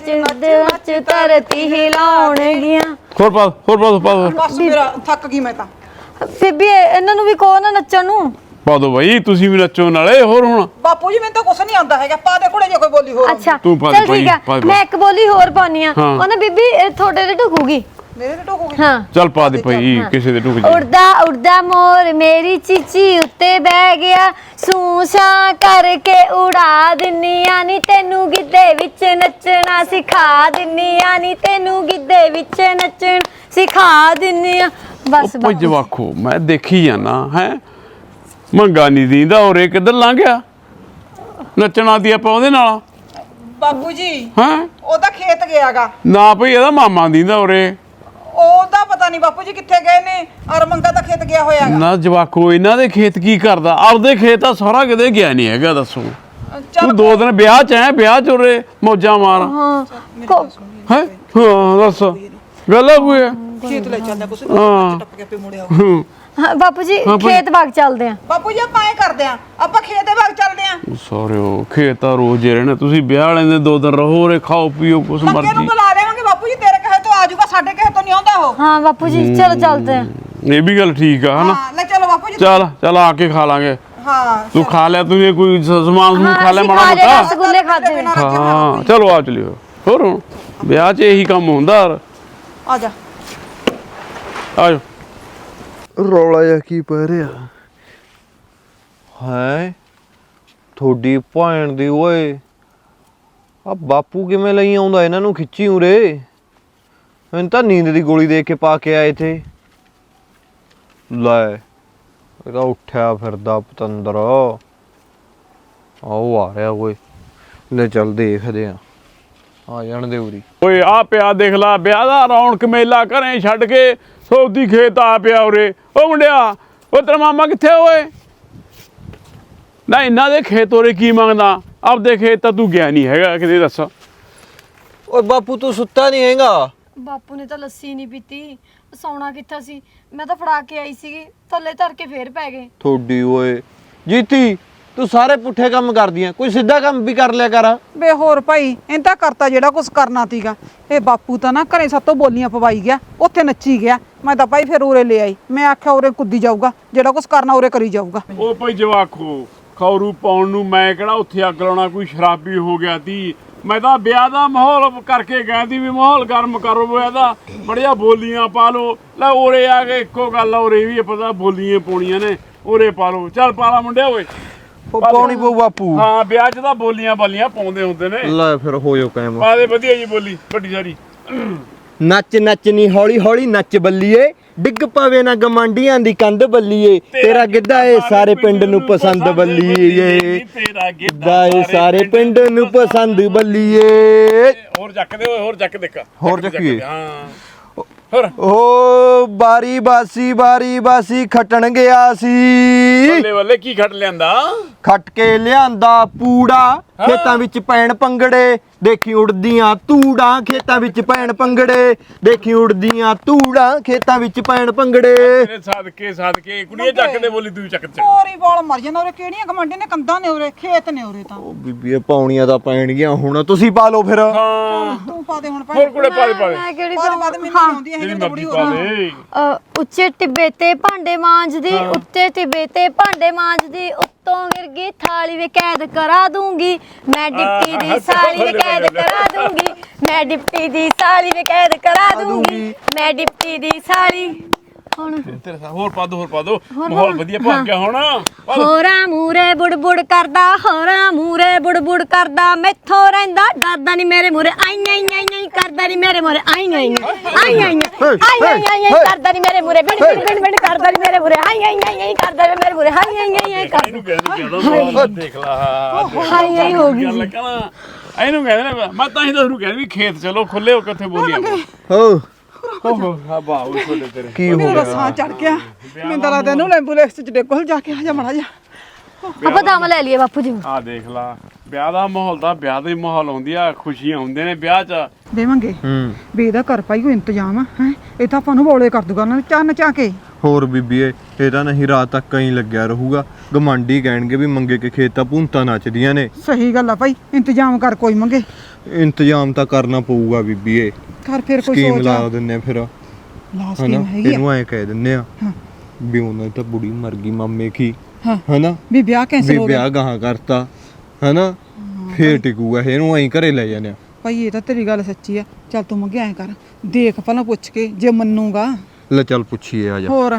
B: ਨੱਚ ਧਰਤੀ ਹਿਲਾਉਣਗੀਆਂ।
D: ਹੋਰ ਪਾ ਦੋ।
C: ਬਸ ਮੇਰਾ ਥੱਕ ਗਈ ਮੈਂ ਤਾਂ।
B: ਬੀਬੀ ਇਹਨਾਂ ਨੂੰ ਵੀ ਕਹੋ ਨਾ ਨੱਚਣ ਨੂੰ।
D: ਪਾ ਦੋ ਬਾਈ, ਤੁਸੀਂ ਵੀ ਨੱਚੋ ਨਾਲੇ। ਹੋਰ ਹੁਣ
C: ਬਾਪੂ ਜੀ ਮੈਨੂੰ ਤਾਂ ਕੁਛ ਨਹੀਂ ਆਉਂਦਾ ਹੈਗਾ। ਪਾ ਦੇ ਕੋਲੇ ਜੇ ਕੋਈ ਬੋਲੀ ਹੋਰ।
B: ਅੱਛਾ
D: ਤੂੰ ਪਾ ਦੇ
B: ਚੱਲ ਠੀਕ
D: ਪਾ
B: ਆ,
D: ਦੇ।
B: ਮੈਂ ਇੱਕ ਬੋਲੀ ਹੋਰ ਪਾਉਣੀ ਆ।
D: ਹਾਂ।
B: ਉਹ ਨਾ ਬੀਬੀ ਤੁਹਾਡੇ ਤੇ ਢੁਕੂਗੀ।
C: ਮੇਰੇ ਤੇ ਟੋਕੂਗੀ?
B: ਹਾਂ
D: ਚੱਲ ਪਾ ਦੇ ਭਾਈ, ਕਿਸੇ ਦੇ ਟੁਕ ਜੀ।
B: ਉੜਦਾ ਮੋਰ ਮੇਰੀ ਚੀਚੀ ਉੱਤੇ ਬਹਿ ਗਿਆ, ਸੂਸਾਂ ਕਰਕੇ ਉਡਾ ਦਿੰਨੀਆਂ ਨੀ ਤੈਨੂੰ, ਗਿੱਧੇ ਵਿੱਚ ਨੱਚਣਾ ਸਿਖਾ ਦਿੰਨੀਆਂ ਨੀ ਤੈਨੂੰ, ਗਿੱਧੇ ਵਿੱਚ ਨੱਚਣ ਸਿਖਾ ਦਿੰਨੀਆਂ। ਬਸ
D: ਉਹ ਜਵਾਖੋ ਮੈਂ ਦੇਖੀ ਜਾਣਾ ਹੈ, ਮੰਗਾ ਨਹੀਂ ਦੀਂਦਾ। ਔਰੇ ਕਿੱਧਰ ਲੰਘ ਗਿਆ? ਨੱਚਣਾ ਦੀ ਆਪਾਂ ਉਹਦੇ ਨਾਲ।
C: ਬਾਪੂ ਜੀ
D: ਹੈ
C: ਉਹਦਾ ਖੇਤ ਗਿਆਗਾ
D: ਨਾ ਭਾਈ, ਇਹਦਾ ਮਾਮਾ ਦੀਂਦਾ ਔਰੇ।
C: ਉਹਦਾ ਪਤਾ ਨਹੀਂ ਬਾਪੂ ਜੀ ਕਿੱਥੇ ਗਏ ਨੇ। ਔਰ ਮੰਗਾ ਤਾਂ ਖੇਤ ਗਿਆ ਹੋਇਆਗਾ।
D: ਨਾ ਜਵਾਕੋ ਇਹਨਾਂ ਦੇ ਖੇਤ ਕੀ ਕਰਦਾ? ਆਪਦੇ ਖੇਤ ਤਾਂ ਸਾਰਾ ਕਿਤੇ ਗਿਆ ਨਹੀਂ ਹੈਗਾ, ਦੱਸੋ। ਤੂੰ 2 ਦਿਨ ਵਿਆਹ ਚ ਹੈ, ਵਿਆਹ ਚ ਉਰੇ ਮੌਜਾਂ ਮਾਰ।
B: ਹਾਂ
D: ਹੈ ਹਾਂ ਦੱਸ ਗੱਲ ਹੋਈ ਹੈ।
C: ਖੇਤ ਲੈ ਚੱਲਦਾ ਕੁਛ ਟੱਪ ਕੇ ਪੇ ਮੁੜਿਆ।
B: ਹਾਂ ਬਾਪੂ ਜੀ, ਖੇਤ ਬਾਗ ਚੱਲਦੇ ਆ।
C: ਬਾਪੂ ਜੀ ਆਪਾਂ ਐ ਕਰਦੇ ਆ, ਆਪਾਂ ਖੇਤ ਦੇ ਬਾਗ ਚੱਲਦੇ ਆ।
D: ਸਾਰਿਓ ਖੇਤ ਤਾਂ ਰੋਜ਼ ਹੀ ਰਹਿਣਾ। ਤੁਸੀਂ ਵਿਆਹ ਵਾਲੇ ਦੇ 2 ਦਿਨ ਰਹੋ ਰੇ, ਖਾਓ ਪੀਓ ਕੁਛ
C: ਮੰਗੇ ਨੂੰ
D: ਮਰਜ਼ੀ।
C: ਬੁਲਾ ਲੈਵਾਂਗੇ ਬਾਪੂ ਜੀ, ਤੇਰੇ ਕਹੇ ਤੋਂ ਆ ਜਾਊਗਾ, ਸਾਡੇ ਕਹੇ ਤੋਂ ਨਹੀਂ ਆਉਂਦਾ ਉਹ।
B: ਹਾਂ ਬਾਪੂ ਜੀ ਚਲੋ ਚੱਲਦੇ ਆ।
D: ਇਹ ਵੀ ਗੱਲ ਠੀਕ ਆ ਹਨਾ।
C: ਹਾਂ ਲੈ ਚਲੋ ਬਾਪੂ ਜੀ।
D: ਚੱਲ ਆ ਕੇ ਖਾ ਲਾਂਗੇ।
C: ਹਾਂ
D: ਤੂੰ ਖਾ ਲਿਆ, ਤੂੰ ਕੋਈ ਸਮਾਨ ਸਮੂਨ ਖਾ ਲਿਆ ਮਾੜਾ ਮੋਟਾ?
B: ਰਸਗੁੱਲੇ ਖਾਦੇ ਨੇ।
D: ਹਾਂ ਚਲੋ ਆ ਚਲਿਓ। ਹੋਰ ਹੁਣ ਵਿਆਹ 'ਚ ਇਹੀ ਕੰਮ ਹੁੰਦਾ।
C: ਆ ਜਾ।
D: ਆ ਜਾ।
A: ਰੌਲਾ ਜਿਹਾ ਕੀ ਪੈ ਰਿਹਾ ਹੈ? ਥੋੜੀ ਭੈਣ ਦੀ ਓਏ, ਆ ਬਾਪੂ ਕਿਵੇਂ ਲਈ ਆਉਂਦਾ ਇਹਨਾਂ ਨੂੰ ਖਿੱਚੀ ਉਰੇ? ਮੈਨੂੰ ਤਾਂ ਨੀਂਦ ਦੀ ਗੋਲੀ ਦੇ ਕੇ ਪਾ ਕੇ ਆਏ ਥੇ। ਲੈ ਇਹਦਾ ਉੱਠਿਆ ਫਿਰਦਾ ਪਤੰਦਰ। ਆਓ ਆ ਰਿਹਾ ਓਏ, ਲੈ ਚੱਲ ਦੇਖਦੇ ਆ ਜਾਣ ਦੇ ਉਰੀ।
D: ਓਏ ਆ ਪਿਆ ਦੇਖ ਲਾ, ਵਿਆਹ ਦਾ ਰੌਣਕ ਮੇਲਾ ਘਰੇ ਛੱਡ ਕੇ ਸੌਦੀ ਖੇਤ ਆ ਪਿਆ ਉਰੇ। ਓ ਮੁੰਡਿਆ, ਓ ਤੇਰਾ ਮਾਮਾ ਕਿੱਥੇ ਓਏ? ਨਾ ਇਹਨਾਂ ਦੇ ਖੇਤ ਉਰੇ ਕੀ ਮੰਗਦਾ? ਆਪਦੇ ਖੇਤ ਤਾਂ ਤੂੰ ਗਿਆ ਨਹੀਂ ਹੈਗਾ ਕਿਤੇ, ਦੱਸ।
A: ਓਏ ਬਾਪੂ ਤੂੰ ਸੁੱਤਾ ਨਹੀਂ ਹੈਗਾ?
B: ਬਾਪੂ ਨੇ ਤਾਂ ਲੱਸੀ ਨਹੀਂ ਪੀਤੀ, ਸੌਣਾ ਕਿੱਥਾ ਸੀ, ਮੈਂ ਤਾਂ ਫੜਾ ਕੇ ਆਈ ਸੀਗੀ, ਥੱਲੇ ਧਰ ਕੇ ਫੇਰ ਪੈ ਗਏ।
A: ਥੋੜੀ ਓਏ ਜੀਤੀ, ਤੂੰ ਸਾਰੇ ਪੁੱਠੇ ਕੰਮ ਕਰਦੀ ਆਂ, ਕੋਈ ਸਿੱਧਾ ਕੰਮ ਵੀ ਕਰ ਲਿਆ ਕਰ।
C: ਬੇ ਹੋਰ ਭਾਈ ਇਹਨ ਤਾਂ ਕਰਤਾ ਜਿਹੜਾ ਕੁਝ ਕਰਨਾ ਸੀਗਾ। ਇਹ ਬਾਪੂ ਤਾਂ ਨਾ ਘਰੇ ਸਾਤੋਂ ਬੋਲੀਆਂ ਪਵਾਈ ਗਿਆ, ਉੱਥੇ ਨੱਚੀ ਗਿਆ। ਮੈਂ ਤਾਂ ਭਾਈ ਫਿਰ ਉਰੇ ਲੈ ਆਈ, ਮੈਂ ਆਖਿਆ ਉਰੇ ਕੁੱਦੀ ਜਾਊਗਾ, ਜਿਹੜਾ ਕੁਝ ਕਰਨਾ ਉਰੇ ਕਰੀ ਜਾਊਗਾ।
D: ਉਹ ਭਾਈ ਜਵਾਖੋ ਖੌਰੂ ਪਾਉਣ ਨੂੰ ਮੈਂ ਕਿਹੜਾ ਉੱਥੇ ਅੱਗ ਲਾਉਣਾ, ਕੋਈ ਸ਼ਰਾਬੀ ਹੋ ਗਿਆ ਤੀ। ਮੈਂ ਤਾਂ ਵਿਆਹ ਦਾ ਮਾਹੌਲ ਕਰਕੇ ਗਿਆ ਤੀ ਵੀ ਮਾਹੌਲ ਗਰਮ ਕਰੋ ਵਿਆਹ ਦਾ, ਬੜੀਆਂ ਬੋਲੀਆਂ ਪਾ ਲਓ। ਲੈ ਉਰੇ ਆ ਕੇ ਇੱਕੋ ਗੱਲ ਆ, ਉਰੇ ਵੀ ਪਤਾ ਬੋਲੀਆਂ ਪਾਉਣੀਆਂ ਨੇ, ਉਰੇ ਪਾ ਲਓ। ਚੱਲ ਪਾ ਲਾ ਮੁੰਡਿਆ ਓਏ।
A: ਉਹ ਪਾਉਣੀ ਪਊ ਬਾਪੂ।
D: ਹਾਂ ਵਿਆਹ 'ਚ ਤਾਂ ਬੋਲੀਆਂ ਬਾਲੀਆਂ ਪਾਉਂਦੇ ਹੁੰਦੇ ਨੇ।
A: ਲੈ ਫਿਰ ਹੋ ਜਾਓ ਕਾਇਮ।
D: ਪਾ ਦੇ ਵਧੀਆ ਜੀ ਬੋਲੀ ਵੱਡੀ ਸਾਰੀ।
A: ਨੱਚ ਨੱਚਨੀ ਹੌਲੀ ਹੌਲੀ ਨੱਚ ਬੱਲੀਏ, ਡਿੱਗ ਪਵੇ ਨਾ ਗਮਾਂਡੀਆਂ ਦੀ ਕੰਧ ਬੱਲੀਏ, ਤੇਰਾ ਗਿੱਧਾ ਏ ਸਾਰੇ ਪਿੰਡ ਨੂੰ ਪਸੰਦ ਬੱਲੀਏ,
D: ਤੇਰਾ
A: ਗਿੱਧਾ ਏ ਸਾਰੇ ਪਿੰਡ ਨੂੰ ਪਸੰਦ ਬੱਲੀਏ।
D: ਹੋਰ ਚੱਕ ਦੇ ਓਏ, ਹੋਰ ਚੱਕ ਦੇ।
A: ਹੋਰ ਚੱਕੀਏ।
D: ਹਾਂ ਹੋਰ
A: ਓ ਬਾਰੀ ਬਾਸੀ ਖਟਣ ਗਿਆ ਸੀ,
D: ਬੱਲੇ ਬੱਲੇ ਕੀ ਖੱਟ ਲਿਆਂਦਾ?
A: ਖੱਟ ਕੇ ਲਿਆਂਦਾ ਪੂੜਾ, ਖੇਤਾਂ ਵਿੱਚ ਪੈਣ ਪੰਗੜੇ, ਦੇਖੀ ਉੜਦੀਆਂ ਤੂੜਾਂ ਖੇਤਾਂ ਵਿੱਚ ਪੈਣ ਪੰਗੜੇ, ਦੇਖੀ ਉੜਦੀਆਂ ਤੂੜਾਂ ਖੇਤਾਂ ਵਿੱਚ ਪੈਣ ਪੰਗੜੇ।
D: ਤੇਰੇ ਸਦਕੇ ਕੁੜੀਏ ਚੱਕ ਦੇ ਬੋਲੀ, ਤੂੰ ਚੱਕ ਚੱਕ।
C: ਹੋਰ ਹੀ ਬੋਲ ਮਰ ਜਾਂਦਾ ਉਰੇ। ਕਿਹੜੀਆਂ ਗਮੰਡੇ ਨੇ, ਕੰਧਾਂ ਨੇ ਉਰੇ, ਖੇਤ ਨੇ ਉਰੇ ਤਾਂ।
A: ਉਹ ਬੀਬੀ ਇਹ ਪਾਉਣੀਆਂ ਤਾਂ ਪੈਣਗੀਆਂ ਹੁਣ, ਤੁਸੀਂ ਪਾ ਲਓ ਫਿਰ।
D: ਹਾਂ
C: ਤੂੰ ਪਾ ਦੇ ਹੁਣ ਭਾਈ।
D: ਹੋਰ ਕੁੜੇ ਪਾ ਦੇ
B: ਮੈਂ ਕਿਹੜੀ
C: ਪਾ ਦੇ ਮੈਨੂੰ ਆਉਂਦੀ ਹੈ
D: ਜਿਹੜੀ
C: ਜਿਹੜੀ
D: ਮਰਜ਼ੀ
C: ਬੁੜੀ
D: ਪਾ
C: ਹੋ
D: ਦੇ।
B: ਉੱਚੇ ਟਿੱਬੇ ਤੇ ਭਾਂਡੇ ਮਾਂਜਦੀ, ਉੱਤੇ ਟਿੱਬੇ ਤੇ ਭਾਂਡੇ ਮਾਂਜਦੀ, ਉੱਤੋਂ ਗਿਰ ਗਈ ਥਾਲੀ ਵੇ ਕੈਦ ਕਰਾ ਦੂੰਗੀ ਮੈਂ, ਡਿਪਟੀ ਦੀ ਸਾਲੀ ਵੇ ਕੈਦ ਕਰਾ ਦੂੰਗੀ ਮੈਂ, ਡਿਪਟੀ ਦੀ ਸਾਲੀ ਵੇ ਕੈਦ ਕਰਾ ਦੂੰਗੀ ਮੈਂ, ਡਿਪਟੀ ਦੀ ਸਾਲੀ। ਹੁਣ
D: ਤੇਰੇ ਸਾਹ ਹੋਰ ਪਾ ਦੋ ਮਾਹੌਲ ਵਧੀਆ ਪਾ ਗਿਆ ਹੁਣ।
B: ਹੋਰਾਂ ਮੂਰੇ ਬੁੜਬੁੜ ਕਰਦਾ, ਹੋਰਾਂ ਮੂਰੇ ਬੁੜਬੁੜ ਕਰਦਾ, ਮੈਥੋਂ ਰਹਿੰਦਾ ਡਰਦਾ ਨਹੀਂ ਮੇਰੇ ਮੂਰੇ, ਆਈ ਆਈ ਆਈ ਆਈ ਕਰਦਾ ਨਹੀਂ ਮੇਰੇ ਮੂਰੇ, ਆਈ ਆਈ ਆਈ ਆਈ ਆਈ ਆਈ ਆਈ ਕਰਦਾ ਨਹੀਂ ਮੇਰੇ ਮੂਰੇ, ਬਿੜ ਬਿੜ ਬਿੜ ਕਰਦਾ ਨਹੀਂ ਮੇਰੇ ਮੂਰੇ, ਆਈ ਆਈ ਆਈ ਆਈ ਕਰਦਾ ਨਹੀਂ ਮੇਰੇ ਮੂਰੇ, ਆਈ ਆਈ ਆਈ ਆਈ ਕਰਦਾ।
D: ਇਹਨੂੰ ਕਹਿੰਦੇ ਦੇਖ ਲਾ
B: ਆਈ ਆਈ ਹੋ ਗਈ।
D: ਗੱਲ ਕਹਣਾ ਇਹਨੂੰ ਕਹਿੰਦੇ ਨੇ। ਮੈਂ ਤਾਂ ਹੀ ਤਾਂ ਉਹਨੂੰ ਕਹਿੰਦਾ ਵੀ ਖੇਤ ਚਲੋ ਖੁੱਲੇ ਹੋ ਕੇ ਉੱਥੇ ਬੋਲੀਆਂ
A: ਹੋ
D: ਓਹੋ ਆ ਬਾਹੂ ਛੋਲੇ ਤੇਰੇ
A: ਕੀ ਹੋ
C: ਮੈਨੂੰ
A: ਗਿਆ?
C: ਰਸਾਂ ਚੜ ਗਿਆ। ਮੈਨੂੰ ਤਾਂ ਲੱਗਦਾ ਇਹਨੂੰ ਐਂਬੂਲੈਂਸ ਚ ਡੇਗੋ ਜਾ ਕੇ ਆ ਜਾ ਮੜਾ ਜਾ।
B: ਆਪਾਂ ਦਮ ਲੈ ਲਈਏ ਬਾਪੂ ਜੀ।
D: ਆ ਦੇਖ ਲਾ ਵਿਆਹ ਦਾ ਮਾਹੌਲ ਦਾ, ਵਿਆਹ ਦਾ ਹੀ ਮਾਹੌਲ ਹੁੰਦੀ ਆ, ਖੁਸ਼ੀਆਂ ਹੁੰਦੇ ਨੇ ਵਿਆਹ 'ਚ।
C: ਦੇਵਾਂਗੇ ਵੀ ਇਹਦਾ ਘਰ ਪਾਈ ਕੋਈ ਇੰਤਜ਼ਾਮ ਆ ਹੈ, ਇਹ ਤਾਂ ਆਪਾਂ ਨੂੰ ਬੋਲੇ ਕਰ ਦੂਗਾ ਉਹਨਾਂ ਚੰਨ ਚਾ ਕੇ।
A: ਹੋਰ ਬੀਬੀਏ ਇਹ ਤਾਂ ਨਹੀਂ ਰਾਤ ਤੱਕ ਕਹੀਂ ਲੱਗਿਆ ਰਹੂਗਾ, ਗਮਾਂਡੀ ਕਹਿਣਗੇ ਵੀ ਮੰਗੇ ਕੇ ਖੇਤ ਤਾਂ ਭੂੰਤਾਂ ਨੱਚਦੀਆਂ ਨੇ।
C: ਸਹੀ ਗੱਲ ਆ ਭਾਈ, ਇੰਤਜ਼ਾਮ ਕਰ ਕੋਈ ਮੰਗੇ।
A: ਇੰਤਜ਼ਾਮ ਤਾਂ ਕਰਨਾ ਪਊਗਾ ਬੀਬੀਏ,
C: ਕਰ ਫਿਰ ਕੋਈ
A: ਸਕੀਮ
C: ਸੋਚ
A: ਲਾ
C: ਆ।
A: ਦਿੰਨੇ ਫਿਰ
C: ਲਾ
A: ਹਨਾ,
C: ਸਕੀਮ ਹੈਗੀ ਆ।
A: ਇਹਨੂੰ ਐ ਕਹਿ ਦਿੰਨੇ ਆ
C: ਹਾਂ
A: ਵੀ ਉਹਨਾਂ ਦੀ ਤਾਂ ਬੁੜੀ ਮਰ ਗਈ ਮਾਮੇ ਕੀ,
C: ਹਾਂ
A: ਹਨਾ
C: ਵੀ ਵਿਆਹ ਕੈਂਸਲ
A: ਵੀ
C: ਹੋ ਗਿਆ।
A: ਵਿਆਹ ਗਾਹਾਂ ਕਰਤਾ ਹਨਾ, ਫੇਰ ਟਿਕੂਗਾ ਇਹਨੂੰ ਐਂ ਘਰੇ ਲੈ ਜਾਂਦੇ ਆ।
C: ਭਾਈ ਇਹ ਤਾਂ ਤੇਰੀ ਗੱਲ ਸੱਚੀ ਆ। ਚੱਲ ਤੂੰ ਮੰਗੇ ਐਂ ਕਰ, ਦੇਖ ਪਹਿਲਾਂ ਪੁੱਛ ਕੇ, ਜੇ ਮੰਨੂਗਾ
A: ਲੈ ਚੱਲ ਪੁੱਛੀਏ ਆ ਜਾ।
C: ਹੋਰ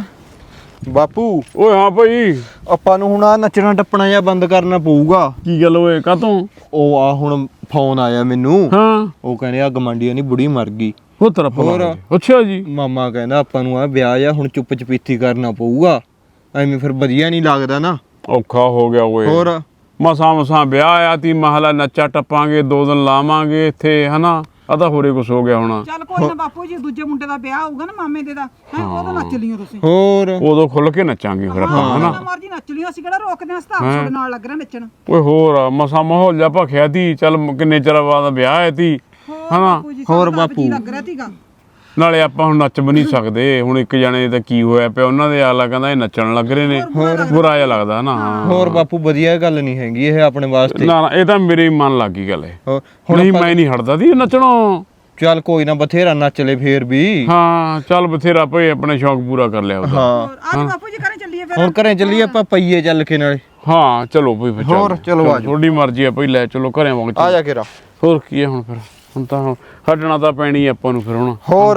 A: ਬਾਪੂ
D: ਓਏ ਹਾਂ ਭਾਈ
A: ਆਪਾਂ ਨੂੰ ਹੁਣ ਆ ਨੱਚਣਾ ਟੱਪਣਾ ਜਾਂ ਬੰਦ ਕਰਨਾ ਪਊਗਾ।
D: ਕੀ ਗੱਲ ਓਏ ਕਾਤੋਂ?
A: ਉਹ ਆ ਹੁਣ ਫੋਨ ਆਇਆ ਮੈਨੂੰ,
D: ਹਾਂ
A: ਉਹ ਕਹਿੰਦੇ ਆ ਗਮਾਂਡੀਆਂ ਦੀ ਬੁੜੀ ਮਰ ਗਈ।
D: ਉਹ ਤੇਰਾ
A: ਹੋਰ?
D: ਅੱਛਾ ਜੀ।
A: ਮਾਮਾ ਕਹਿੰਦਾ ਆਪਾਂ ਨੂੰ ਆ ਵਿਆਹ ਜਾਂ ਹੁਣ ਚੁੱਪ ਚਪੀਤੀ ਕਰਨਾ ਪਊਗਾ, ਐਵੇਂ ਫਿਰ ਵਧੀਆ ਨਹੀਂ ਲੱਗਦਾ ਨਾ।
D: ਔਖਾ ਹੋ ਗਿਆ ਓਏ।
A: ਹੋਰ
D: ਮਸਾਂ ਵਿਆਹ ਆ ਤੀ, ਮਹਲਾ ਨੱਚਾ ਟੱਪਾਂਗੇ, 2 ਦਿਨ ਲਾਵਾਂਗੇ ਇੱਥੇ ਹਨਾ। ਆ ਤਾਂ ਹੋਰੇ ਕੁਛ ਹੋ ਗਿਆ ਹੁਣ।
C: ਚੱਲ ਕੋਈ ਨਾ ਬਾਪੂ ਜੀ, ਦੂਜੇ ਮੁੰਡੇ ਦਾ ਵਿਆਹ ਹੋਊਗਾ ਨਾ ਮਾਮੇ ਦੇ ਦਾ, ਹੈ ਉਦੋਂ ਨੱਚ ਲਿਓ ਤੁਸੀਂ।
A: ਹੋਰ
D: ਉਦੋਂ ਖੁੱਲ ਕੇ ਨੱਚਾਂਗੇ ਫਿਰ ਆਪਾਂ ਹਨਾ।
C: ਜਿੰਨਾ ਮਰਜ਼ੀ ਨੱਚ ਲਿਓ, ਅਸੀਂ ਕਿਹੜਾ ਰੋਕਦੇ ਹਾਂ, ਸਤਾਪ ਤੁਹਾਡੇ ਨਾਲ ਲੱਗ ਰਿਹਾ ਨੱਚਣ।
D: ਓਏ ਹੋਰ ਮਸਾਂ ਮਾਹੌਲ ਜਾ ਭਖਿਆ ਤੀ। ਚੱਲ ਕਿੰਨੇ ਚਿਰ ਬਾਅਦ ਵਿਆਹ ਹੈ ਤੀ ਹਨਾ।
C: ਬਾਪੂ ਜੀ
A: ਹੋਰ
C: ਸਾਨੂੰ ਤਾਂ ਆਪ
A: ਬਾਪੂ।
C: ਜੀ ਲੱਗ ਰਿਹਾ ਸੀਗਾ।
D: ਨਾਲੇ ਆਪਾਂ ਹੁਣ ਨੱਚ ਵੀ ਨਹੀਂ ਸਕਦੇ। ਹੁਣ ਇੱਕ ਜਣੇ ਦਾ ਕੀ ਹੋਇਆ ਪਿਆ, ਉਹਨਾਂ ਦੇ ਆਲਾ ਕਹਿੰਦਾ ਇਹ ਨੱਚਣ ਲੱਗ ਰਹੇ ਨੇ, ਬੁਰਾ ਜਿਹਾ ਲੱਗਦਾ ਨਾ।
A: ਹੋਰ ਬਾਪੂ ਵਧੀਆ ਗੱਲ ਨਹੀਂ ਹੈਗੀ ਇਹ ਆਪਣੇ ਵਾਸਤੇ।
D: ਨਾ ਇਹ ਤਾਂ ਮੇਰੇ ਹੀ ਮਨ ਲੱਗ ਗਈ ਗੱਲ ਇਹ।
A: ਹੋਰ,
D: ਨਹੀਂ ਮੈਂ ਨਹੀਂ ਹਟਦਾ ਦੀ ਨੱਚਣੋਂ।
A: ਚੱਲ ਕੋਈ ਨਾ ਬਥੇਰਾ ਨੱਚ ਲੈ ਫੇਰ ਵੀ।
D: ਹਾਂ ਚੱਲ ਬਥੇਰਾ ਭਈ ਆਪਣੇ ਸ਼ੌਕ ਪੂਰਾ ਕਰ ਲਿਆ ਉਹਦਾ।
A: ਹਾਂ
C: ਅੱਜ ਬਾਪੂ ਜੀ ਘਰੇ ਚੱਲੀਏ ਫਿਰ।
A: ਹੁਣ ਘਰੇ ਚੱਲੀਏ ਆਪਾਂ ਪਈਏ ਚੱਲ ਕੇ ਨਾਲੇ।
D: ਹਾਂ ਚਲੋ ਭਈ ਫਿਰ
A: ਹੋਰ, ਚਲੋ ਆ ਜਾਓ।
D: ਤੁਹਾਡੀ ਮਰਜ਼ੀ ਆ ਭਈ, ਲੈ ਚਲੋ ਘਰੇ ਵਾਂਗ
A: ਆ ਜਾ ਕੇਰਾ।
D: ਹੋਰ ਕੀ ਹੈ ਹੁਣ ਫਿਰ, ਹੁਣ ਤਾਂ ਹਟਣਾ ਤਾਂ ਪੈਣੀ ਆਪਾਂ ਨੂੰ ਫਿਰ ਹੁਣ।
A: ਹੋਰ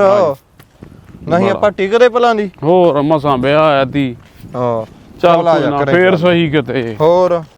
A: ਨਹੀਂ ਆਪਾਂ ਟਿਕਦੇ ਭਲਾਂ ਦੀ।
D: ਹੋਰ ਮਸਾਂ ਵਿਆਹ ਆਇਆ ਤੀ।
A: ਹਾਂ
D: ਚੱਲ
A: ਆ
D: ਕੋਈ
A: ਜਾ
D: ਨਾ,
A: ਘਰੇ
D: ਫੇਰ
A: ਚੱਲ।
D: ਸਹੀ ਕਿਤੇ।
A: ਹੋਰ